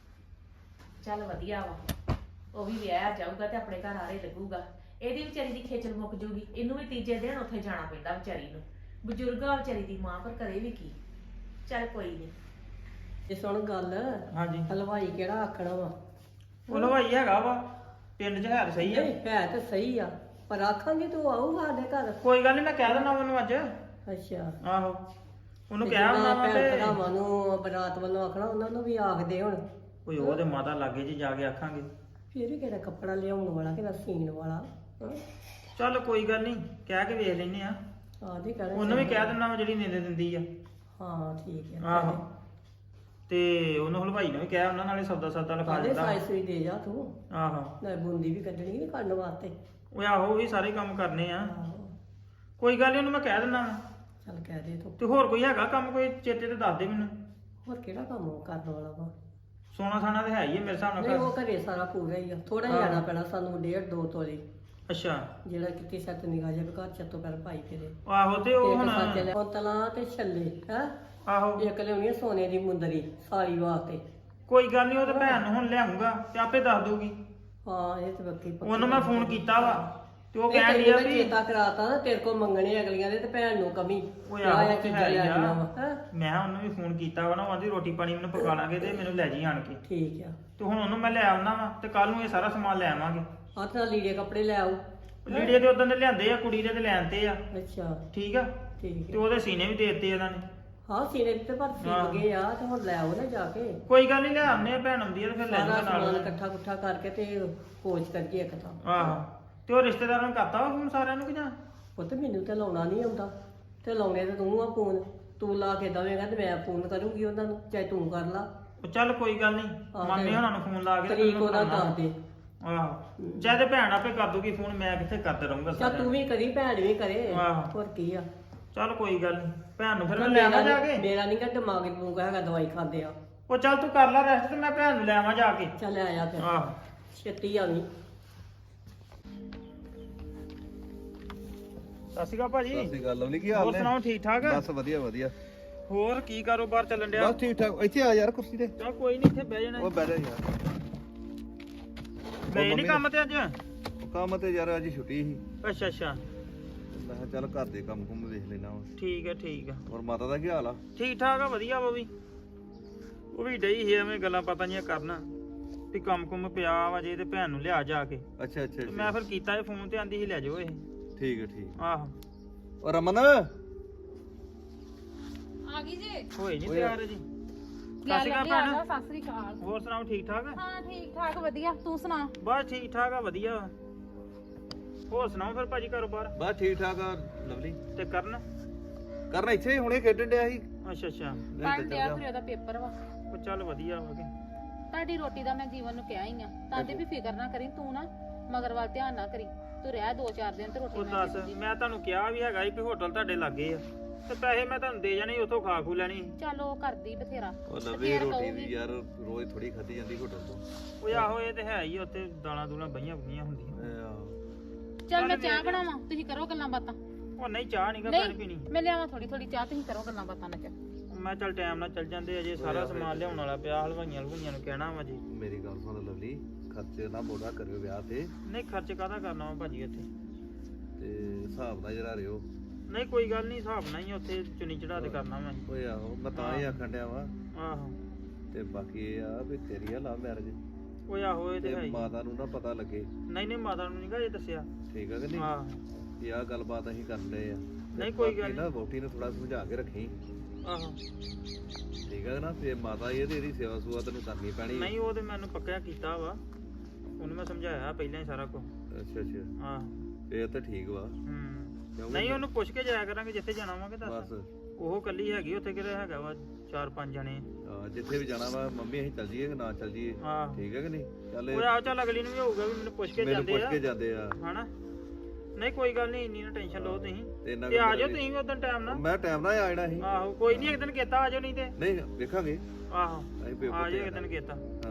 S5: ਚੱਲ ਵਧੀਆ ਵਾ, ਉਹ ਵੀ ਵਿਆਹ ਜਾਊਗਾ ਤੇ ਆਪਣੇ ਘਰ ਆਰੇ ਲੱਗੂਗਾ। ਇਹਦੀ ਵਿਚਾਰੀ ਦੀ ਖੇਚਲ ਮੁੱਕ ਜੂਗੀ, ਇਹਨੂੰ ਵੀ ਤੀਜੇ ਦਿਨ ਉੱਥੇ ਜਾਣਾ ਪੈਂਦਾ ਵਿਚਾਰੀ ਨੂੰ। ਬਜ਼ੁਰਗ ਆ ਵਿਚਾਰੀ ਦੀ ਮਾਂ, ਪਰ ਕਰੇ ਵੀ ਕੀ। ਚੱਲ ਕੋਈ ਨਹੀਂ।
S2: ਇਹ ਸੁਣ ਗੱਲ,
S1: ਹਾਂਜੀ
S2: ਹਲਵਾਈ ਕਿਹੜਾ ਆਖਣਾ ਵਾ?
S1: ਉਹ ਹਲਵਾਈ ਹੈਗਾ ਵਾ ਪਿੰਡ 'ਚ, ਹੈ ਤਾਂ ਸਹੀ ਆ।
S2: ਨਹੀਂ ਹੈ ਤਾਂ ਸਹੀ ਆ, ਪਰ ਆਖਾਂਗੇ ਤੂੰ ਆਊਗਾ ਸਾਡੇ ਘਰ।
S1: ਕੋਈ ਗੱਲ ਨਹੀਂ, ਮੈਂ ਕਹਿ ਦਿੰਦਾ ਉਹਨੂੰ ਅੱਜ।
S2: ਅੱਛਾ।
S1: ਆਹੋ ਉਹਨੂੰ
S2: ਤੇ
S1: ਕਹਿ
S2: ਜਿੱਦਾਂ
S1: ਹੁੰਦਾ ਵਾ
S2: ਭੈਣ
S1: ਤੇ
S2: ਭਰਾਵਾਂ ਨੂੰ ਬਰਾਤ ਵੱਲੋਂ ਆਖਣਾ, ਉਹਨਾਂ ਨੂੰ ਵੀ ਆਖਦੇ ਹੁਣ।
S1: ਕੋਈ ਉਹਦੇ ਮਾਤਾ ਲਾਗੇ 'ਚ ਜਾ ਕੇ ਆਖਾਂਗੇ।
S2: ਫਿਰ ਵੀ ਕਿਹੜਾ ਕੱਪੜਾ ਲਿਆਉਣ ਵਾਲਾ, ਕਿਹੜਾ ਸੀਨ ਵਾਲਾ। ਹਾਂ।
S1: ਚੱਲ ਕੋਈ ਗੱਲ ਨਹੀਂ, ਕਹਿ ਕੇ ਵੇਖ ਲੈਨੇ ਆ।
S2: ਆਦੇ ਕਹਿਣਾ
S1: ਉਹਨੂੰ ਵੀ ਕਹਿ ਦਿੰਦਾ ਵਾ ਜਿਹੜੀ ਨੀਂਦ ਦਿੰਦੀ ਆ।
S2: ਹਾਂ ਠੀਕ ਹੈ।
S1: ਆਹੋ ਤੇ ਉਹਨੂੰ ਹਲਵਾਈ ਨੂੰ ਵੀ ਕਹਿ, ਉਹਨਾਂ ਨਾਲੇ ਸੌਦਾ ਸੌਦਾ ਲਿਖਾ
S2: ਆਦੇ
S1: ਦਿੰਦਾ।
S2: ਸਾਈ ਸੂਈ ਦੇ ਜਾ ਤੂੰ,
S1: ਆਹੋ
S2: ਨਾ ਬੂੰਦੀ ਵੀ ਕੱਢਣੀ ਨਹੀਂ ਕਰਨ ਵਾਸਤੇ।
S1: ਉਹ ਆਹੋ ਉਹ ਵੀ ਸਾਰੇ ਕੰਮ ਕਰਨੇ ਆ।
S2: ਆਹੋ
S1: ਕੋਈ ਗੱਲ ਨੀ, ਉਹਨੂੰ ਮੈਂ ਕਹਿ ਦਿੰਦਾ ਵਾ।
S2: ਚੱਲ ਕਹਿ ਦੇ ਤੂੰ।
S1: ਤੇ ਹੋਰ ਕੋਈ ਹੈਗਾ ਕੰਮ, ਕੋਈ ਚੇਤੇ ਤੇ ਦੱਸ ਦੇ ਮੈਨੂੰ।
S2: ਹੋਰ ਕਿਹੜਾ ਕੰਮ ਉਹ ਕਰਨ ਵਾਲਾ ਵਾ?
S1: ਸੋਨਾ ਸਾਨਾ ਤੇ ਹੈ ਹੀ ਆ ਮੇਰੇ ਹਿਸਾਬ ਨਾਲ
S2: ਨਹੀਂ ਉਹ
S1: ਘਰ।
S2: ਘਰੇ ਸਾਰਾ ਪੂਰਾ ਹੀ ਆ, ਥੋੜਾ ਹੀ
S1: ਹਾਂ।
S2: ਜਾਣਾ ਪੈਣਾ ਸਾਨੂੰ, ਡੇਢ ਦੋ ਤੋਲੇ।
S1: ਅੱਛਾ
S2: ਜਿਹੜਾ ਕਿਤੇ ਸੱਤ ਨਿਗਾਹ ਜਿਹਾ ਘਰ ਚੱਤੋ ਪੈਰ ਪਾਈ ਫਿਰੇ।
S1: ਆਹੋ ਤੇ ਉਹ
S2: ਇੱਕ
S1: ਹੁਣ
S2: ਸੱਚ ਲੈ ਤਲਾ ਤੇ ਛੱਲੇ ਹੈ।
S1: ਆਹੋ
S2: ਇੱਕ ਲਿਆਉਣੀ ਆ ਸੋਨੇ ਦੀ ਮੁੰਦਰੀ ਸਾਰੀ ਵਾਸਤੇ।
S1: ਕੋਈ ਗੱਲ ਨਹੀਂ, ਉਹ ਤੇ ਭੈਣ ਨੂੰ ਹੁਣ ਲਿਆਉਂਗਾ ਤੇ ਆਪੇ ਦੱਸ ਦੂਗੀ।
S2: ਹਾਂ ਇਹ ਤੇ ਬੱਕੀ ਪੱਕੀ।
S1: ਉਹਨੂੰ ਮੈਂ ਫੋਨ ਕੀਤਾ ਵਾ ਤੇ ਉਹ
S2: ਇਹ
S1: ਕਹਿ
S2: ਤੈਨੂੰ
S1: ਰਹੀ ਆ
S2: ਮੈਂ
S1: ਵੀ
S2: ਚੇਤਾ ਕਰਾਤਾ ਨਾ, ਤੇਰੇ ਕੋਲ ਮੰਗਣੇ ਅਗਲੀਆਂ ਦੇ ਤੇ ਭੈਣ ਨੂੰ ਕਮੀ।
S1: ਉਹ
S2: ਆਹ
S1: ਆਹੋ
S2: ਇਹ
S1: ਤੇ
S2: ਚੀਜ਼ਾਂ
S1: ਹੈ ਹੀ
S2: ਲਿਆਉਣੀਆਂ
S1: ਆ।
S2: ਵਾ, ਹੈਂ।
S1: ਮੈਂ ਕਿਹਾ ਉਹਨੂੰ ਵੀ ਫੋਨ ਕੀਤਾ ਵਾ ਨਾ, ਉਹ ਆਂਦੀ ਰੋਟੀ ਪਾਣੀ ਮੈਨੂੰ ਪਕਾ ਲਾਂਗੇ ਤੇ ਮੈਨੂੰ ਲੈ ਜੀ ਆਣ ਕੇ।
S2: ਠੀਕ ਆ।
S1: ਤੇ ਹੁਣ ਉਹਨੂੰ ਮੈਂ ਲੈ ਆਉਣਾ ਵਾ ਤੇ ਕੱਲ ਨੂੰ ਇਹ ਸਾਰਾ ਸਮਾਨ ਲੈ ਆਵਾਂਗੇ।
S2: ਹੱਥ ਨਾਲ ਲੀੜੇ ਕੱਪੜੇ ਲੈ ਆਓ।
S1: ਲੀੜੇ ਤੇ ਉਦੋਂ ਦੇ ਲਿਆਂਦੇ ਆ, ਕੁੜੀ ਦੇ ਤੇ ਲੈਣ ਤੇ ਆ।
S2: ਅੱਛਾ
S1: ਠੀਕ ਆ,
S2: ਠੀਕ
S1: ਤੇ
S2: ਹੈ।
S1: ਉਹਦੇ ਸੀਨੇ ਵੀ ਦੇ ਦਿੱਤੇ ਇਹਨਾਂ ਨੇ।
S2: ਹਾਂ ਸੀਨੇ ਤੇ ਪਰ
S1: ਹਾਂ।
S2: ਸੀਲ ਗਏ ਆ, ਤੇ ਹੁਣ ਲੈ ਆਓ ਨਾ ਜਾ ਕੇ।
S1: ਕੋਈ ਗੱਲ ਨਹੀਂ, ਲੈ ਆਉਂਦੇ ਆ, ਭੈਣ ਆਉਂਦੀ ਆ ਤੇ ਫਿਰ ਲੈ
S2: ਸਾਰਾ
S1: ਜਾਊਗਾ
S2: ਸਮਾਨ
S1: ਨਾਲ।
S2: ਇਕੱਠਾ ਕੁੱਠਾ ਕਰਕੇ ਤੇ ਕੋਚ ਕਰੀਏ ਇੱਕ ਤਾਂ।
S1: ਆਹੋ ਤੇ ਉਹ ਰਿਸ਼ਤੇਦਾਰਾਂ ਨੂੰ ਕਰਤਾ ਵਾ ਫੋਨ ਸਾਰਿਆਂ ਨੂੰ ਕਿ ਜਾਂ?
S2: ਪੁੱਤ ਮੈਨੂੰ ਤੇ ਲਾਉਣਾ ਨਹੀਂ ਆਉਂਦਾ, ਤੇ ਲਾਉਣੇ ਤੇ ਤੂੰ ਆ ਫੋਨ। ਤੂੰ ਲਾ ਕੇ ਦਵੇਂਗਾ ਤੇ ਮੈਂ ਫੋਨ ਕਰੂੰਗੀ ਉਹਨਾਂ ਨੂੰ, ਚਾਹੇ ਤੂੰ ਕਰ ਲਾ।
S1: ਉਹ ਚੱਲ ਕੋਈ ਗੱਲ ਨਹੀਂ,
S2: ਹਾਂ,
S1: ਮਾਮੇ
S2: ਤੇ
S1: ਉਹਨਾਂ ਨੂੰ ਫੋਨ ਲਾ ਕੇ ਤੇ
S2: ਤਰੀਕ
S1: ਮੈਨੂੰ
S2: ਉਹਦਾ
S1: ਕਰਾਉਣਾ।
S2: ਦੱਸ ਦੇ।
S1: ਆਹੋ ਚਾਹੇ ਤੇ ਭੈਣ ਆਪੇ ਕਰ ਦੂਗੀ ਫੋਨ, ਮੈਂ ਕਿੱਥੇ ਕਰਦਾ ਰਹੂੰਗਾ
S2: ਚੱਲ ਤੂੰ ਵੀ ਕਰੀ, ਭੈਣ ਵੀ ਕਰੇ,
S1: ਆਹੋ।
S2: ਹੋਰ ਕੀ ਆ।
S1: ਚੱਲ ਕੋਈ ਗੱਲ ਨਹੀਂ, ਭੈਣ ਨੂੰ ਫਿਰ ਮੈਂ ਲੈ ਆਵਾਂ ਜਾ ਕੇ।
S2: ਮੇਰਾ ਨਹੀਂ ਗਾ ਦਿਮਾਗ ਨੂੰ ਹੈਗਾ ਦਵਾਈ ਖਾਂਦੇ ਆ।
S1: ਉਹ ਚੱਲ ਤੂੰ ਕਰ ਲੈ ਰੈਸਟ ਤੇ ਮੈਂ ਭੈਣ ਨੂੰ ਲੈ ਆਵਾਂ ਜਾ ਕੇ।
S2: ਚੱਲ ਆਇਆ ਫਿਰ
S1: ਆਹ
S2: ਛੇਤੀ ਆਵੀਂ।
S1: ਸਤਿ ਸ਼੍ਰੀ ਅਕਾਲ ਭਾਜੀ।
S4: ਸਤਿ ਸ਼੍ਰੀ ਅਕਾਲ ਲਵਲੀ, ਕੀ ਹਾਲ
S1: ਹੋਰ
S4: ਨੇ?
S1: ਸੁਣਾਓ ਠੀਕ ਠਾਕ?
S4: ਬਸ ਵਧੀਆ ਵਧੀਆ।
S1: ਹੋਰ ਕੀ ਕਾਰੋਬਾਰ ਚੱਲਣ ਡਿਆ?
S4: ਬਸ ਠੀਕ ਠਾਕ। ਇੱਥੇ ਆ ਯਾਰ ਕੁਰਸੀ ਤੇ।
S1: ਚੱਲ ਕੋਈ ਨਹੀਂ ਇੱਥੇ ਬਹਿ ਜਾਣਾ।
S4: ਉਹ ਬਹਿ ਜਾ ਯਾਰ।
S1: ਗਏ
S4: ਮੰਮੀ
S1: ਨਹੀਂ ਕੰਮ ਤੇ ਅੱਜ?
S4: ਉਹ ਕੰਮ ਤੇ ਯਾਰ ਅੱਜ ਛੁੱਟੀ ਸੀ।
S1: ਅੱਛਾ ਅੱਛਾ
S4: ਮੈਂ ਕਿਹਾ ਚੱਲ ਘਰ ਦੇ ਕੰਮ ਕੁੰਮ ਵੇਖ ਲੈਣਾ ਵਾ।
S1: ਠੀਕ ਹੈ ਠੀਕ ਹੈ।
S4: ਹੋਰ ਮਾਤਾ ਦਾ ਕੀ ਹਾਲ ਆ?
S1: ਠੀਕ ਠਾਕ ਆ ਵਧੀਆ ਵਾ ਵੀ। ਉਹ ਵੀ ਡਈ ਸੀ ਐਵੇਂ ਗੱਲਾਂ ਪਤਾ ਨਹੀਂ ਕਰਨਾ ਵੀ ਕੰਮ ਕੁੰਮ ਪਿਆ ਵਾ ਜੇ ਤੇ ਭੈਣ ਨੂੰ ਲਿਆ ਜਾ ਕੇ।
S4: ਅੱਛਾ ਅੱਛਾ
S1: ਤੇ ਮੈਂ ਫਿਰ ਕੀਤਾ ਇਹ ਫੋਨ ਤੇ ਆਂਦੀ ਸੀ ਲੈ ਜਾਓ ਇਹ।
S4: ਠੀਕ ਹੈ ਠੀਕ।
S1: ਆਹੋ
S4: ਉਹ ਰਮਨ
S3: ਆ ਗਈ ਜੇ
S1: ਹੋਏ ਨਹੀਂ
S4: ਓਏ।
S1: ਤਿਆਰ ਜੀ। ਸਤਿ
S3: ਗੱਲ
S1: ਸ਼੍ਰੀ ਅਕਾਲ
S3: ਨਹੀਂ ਆਦਾ।
S1: ਭੈਣ।
S3: ਸਤਿ ਸ੍ਰੀ ਅਕਾਲ।
S1: ਹੋਰ ਸੁਣਾਓ ਠੀਕ ਠਾਕ?
S3: ਹਾਂ ਠੀਕ ਠਾਕ ਵਧੀਆ, ਤੂੰ ਸੁਣਾ?
S1: ਬਸ ਠੀਕ ਠਾਕ ਆ ਵਧੀਆ ਵਾ। ਹੋਰ ਸੁਣਾਓ ਫਿਰ ਭਾਜੀ ਕਾਰੋਬਾਰ?
S4: ਬਸ ਠੀਕ ਠਾਕ ਆ ਲਵਲੀ।
S1: ਤੇ ਕਰਨ?
S4: ਕਰਨ ਇੱਥੇ ਹੀ ਹੁਣੇ ਖੇਡਣ ਡਿਆ ਸੀ।
S1: ਅੱਛਾ ਅੱਛਾ
S3: ਪੜ੍ਹਨ ਡਿਆ ਫਿਰ ਉਹਦਾ ਪੇਪਰ ਵਾ।
S1: ਉਹ ਚੱਲ ਵਧੀਆ ਵਾ ਕੇ।
S3: ਤੁਹਾਡੀ ਰੋਟੀ ਦਾ ਮੈਂ ਜੀਵਨ ਨੂੰ ਕਿਹਾ ਹੀ ਆ ਤਾਂ ਤੇ ਵੀ ਫਿਕਰ ਨਾ ਕਰੀ ਤੂੰ ਨਾ ਮਗਰ ਵੱਲ ਧਿਆਨ ਨਾ ਕਰੀ ਤੂੰ ਰਹਿ ਦੋ ਚਾਰ ਦਿਨ ਤੇ ਰੋਟੀ
S1: ਉਹ
S3: ਮੈਂ
S1: ਦੱਸ
S3: ਦੇ ਦੂੰਗੀ।
S1: ਮੈਂ ਤੁਹਾਨੂੰ ਕਿਹਾ ਵੀ ਹੈਗਾ ਸੀ ਵੀ ਹੋਟਲ ਤੁਹਾਡੇ ਲਾਗੇ ਆ ਤੇ ਪੈਸੇ ਮੈਂ ਤੁਹਾਨੂੰ ਦੇ ਜਾਣੇ ਉੱਥੋਂ ਖਾ ਖੂ ਲੈਣੀ।
S3: ਚੱਲ ਉਹ ਕਰਦੀ ਬਥੇਰਾ
S4: ਉਹ
S3: ਤੇ
S4: ਲਵਲੀ
S3: ਫੇਰ
S4: ਰੋਟੀ
S3: ਕਹੂਗੀ।
S4: ਵੀ ਯਾਰ ਰੋਜ਼ ਥੋੜੀ ਖਾਧੀ ਜਾਂਦੀ ਹੋਟਲ ਤੋਂ।
S1: ਉਹ ਆਹੋ ਇਹ ਤੇ ਹੈ ਹੀ ਆ, ਉੱਥੇ ਦਾਲਾਂ ਦੂਲਾਂ ਬਈਆਂ ਬਈਆਂ ਹੁੰਦੀਆਂ।
S4: ਇਹ ਆਹੋ।
S3: ਚੱਲ ਮੈਂ ਚਾਹ ਬਣਾਵਾਂ ਤੁਸੀਂ ਕਰੋ ਗੱਲਾਂ ਬਾਤਾਂ।
S1: ਉਹ ਨਹੀਂ ਚਾਹ ਨਹੀਂ ਗਾ ਪਾਣੀ
S3: ਨਹੀਂ
S1: ਪੀਣੀ।
S3: ਮੈਂ ਲਿਆਵਾਂ ਥੋੜੀ ਥੋੜੀ ਚਾਹ ਤੁਸੀਂ ਕਰੋ ਗੱਲਾਂ ਬਾਤਾਂ ਨਾ ਚੱਲ।
S1: ਮੈਂ ਚੱਲ ਟਾਈਮ ਨਾਲ ਚੱਲ ਜਾਂਦੇ ਅਜੇ ਸਾਰਾ ਸਮਾਨ ਲਿਆਉਣ ਵਾਲਾ ਪਿਆ ਹਲਵਾਈਆਂ ਹਲਵਾਈਆਂ ਨੂੰ ਕਹਿਣਾ ਵਾ ਜੀ।
S4: ਮੇਰੀ ਗੱਲ ਸੁਣ ਲਵਲੀ, ਖਰਚੇ ਨਾ ਬੋੜਾ ਕਰਿਓ ਵਿਆਹ ਤੇ।
S1: ਨਹੀਂ ਖਰਚ ਕਾਹਦਾ ਕਰਨਾ ਵਾ ਭਾਜੀ ਇੱਥੇ?
S4: ਤੇ ਹਿਸਾਬ ਨਾਲ ਜਰਾ ਰਿਓ।
S1: ਨਹੀਂ ਕੋਈ ਗੱਲ ਨਹੀਂ ਹਿਸਾਬ ਨਾਲ ਹੀ ਉੱਥੇ ਚੁਣੀ ਚੜਾ ਤੇ ਕਰਨਾ ਮੈਂ।
S4: ਓਏ ਆਹੋ ਮੈਂ ਤਾਂ ਹੀ ਆਖਣ ਡਿਆ ਵਾ।
S1: ਆਹੋ
S4: ਤੇ ਬਾਕੀ ਇਹ ਆ ਵੀ ਤੇਰੀ ਆ ਲਵ ਮੈਰਿਜ
S1: ਉਹ ਆਹੋ ਇਹ ਤੇ
S4: ਤੇ
S1: ਹੈ ਹੀ।
S4: ਮਾਤਾ ਨੂੰ ਨਾ ਪਤਾ ਲੱਗੇ।
S1: ਨਹੀਂ ਨਹੀਂ ਮਾਤਾ ਨੂੰ ਨਹੀਂਗਾ ਇਹ ਦੱਸਿਆ।
S4: ਠੀਕ ਆ ਕਿ ਨਹੀਂ?
S1: ਆਹ
S4: ਵੀ ਆਹ ਗੱਲਬਾਤ ਅਸੀਂ ਕਰਦੇ ਆ। ਤੇ
S1: ਨਹੀਂ, ਕੋਈ ਗੱਲ
S4: ਬਾਕੀ ਨਾ ਵੋਟੀ ਨੂੰ ਥੋੜਾ ਸਮਝਾ ਕੇ ਰੱਖੀ।
S1: ਆਹੋ
S4: ਠੀਕ ਆ ਨਾ? ਤੇ ਮਾਤਾ ਇਹ ਤੇ ਇਹਦੀ ਸੇਵਾ ਸੁਆ ਤੈਨੂੰ ਕਰਨੀ ਪੈਣੀ।
S1: ਨਹੀਂ ਉਹ ਤੇ ਮੈਨੂੰ ਪੱਕਾ ਕੀਤਾ ਵਾ, ਉਹਨੂੰ ਮੈਂ ਸਮਝਾਇਆ ਪਹਿਲਾਂ ਹੀ ਸਾਰਾ ਕੁਝ।
S4: ਅੱਛਾ ਅੱਛਾ
S1: ਆਹ
S4: ਫੇਰ ਤਾਂ ਠੀਕ ਵਾ।
S1: ਹੂੰ
S4: ਕਿਉਂਕਿ
S1: ਨਹੀਂ ਉਹਨੂੰ ਪੁੱਛ ਕੇ ਜਾਇਆ ਕਰਾਂਗੇ ਜਿੱਥੇ ਜਾਣਾ ਵਾਂਗੇ ਦੱਸ।
S4: ਬਸ
S1: ਉਹ ਕੱਲੀ ਹੈਗੀ ਉੱਥੇ ਕਿਹੜਾ ਹੈਗਾ ਵਾ ਚਾਰ ਪੰਜ ਜਣੇ।
S4: ਆਹ, ਜਿੱਥੇ ਵੀ ਜਾਣਾ ਵਾ ਮੰਮੀ ਅਸੀਂ ਚੱਲ ਜੀਏ ਕਿ ਨਾ ਚੱਲ ਜੀਏ।
S1: ਆਹ
S4: ਠੀਕ ਹੈ ਕਿ ਨਹੀਂ? ਚੱਲ
S1: ਉਹ ਆ ਚੱਲ ਅਗਲੀ ਨੂੰ ਵੀ ਹੋਊਗਾ ਵੀ ਮੈਨੂੰ ਪੁੱਛ ਕੇ
S4: ਮੈਨੂੰ
S1: ਜਾਂਦੇ
S4: ਪੁੱਛ
S1: ਆ
S4: ਕੇ ਜਾਂਦੇ ਆ।
S1: ਹਨਾ। ਨਹੀਂ ਕੋਈ ਗੱਲ ਨਹੀਂ ਇੰਨੀ ਨਾ ਟੈਨਸ਼ਨ ਲਓ ਤੁਸੀਂ
S4: ਤੇ ਇੰਨਾ
S1: ਤੇ ਆ
S4: ਕੁ
S1: ਜਾਓ
S4: ਮੇਰਾ
S1: ਤੁਸੀਂ ਵੀ ਉਦੋਂ ਟਾਈਮ ਨਾਲ।
S4: ਮੈਂ ਟਾਈਮ ਨਾਲ ਆ ਜਾਣਾ ਸੀ।
S1: ਆਹੋ ਕੋਈ ਨਹੀਂ ਇੱਕ ਦਿਨ ਕੀਤਾ ਆ ਜਾਓ ਨਹੀਂ ਤੇ।
S4: ਨਹੀਂ ਵੇਖਾਂਗੇ
S1: ਆਹੋ
S4: ਅਸੀਂ ਪੇਪਰ
S1: ਆ
S4: ਤੇ
S1: ਜਾਓ ਇੱਕ ਦਿਨ ਕੀਤਾ।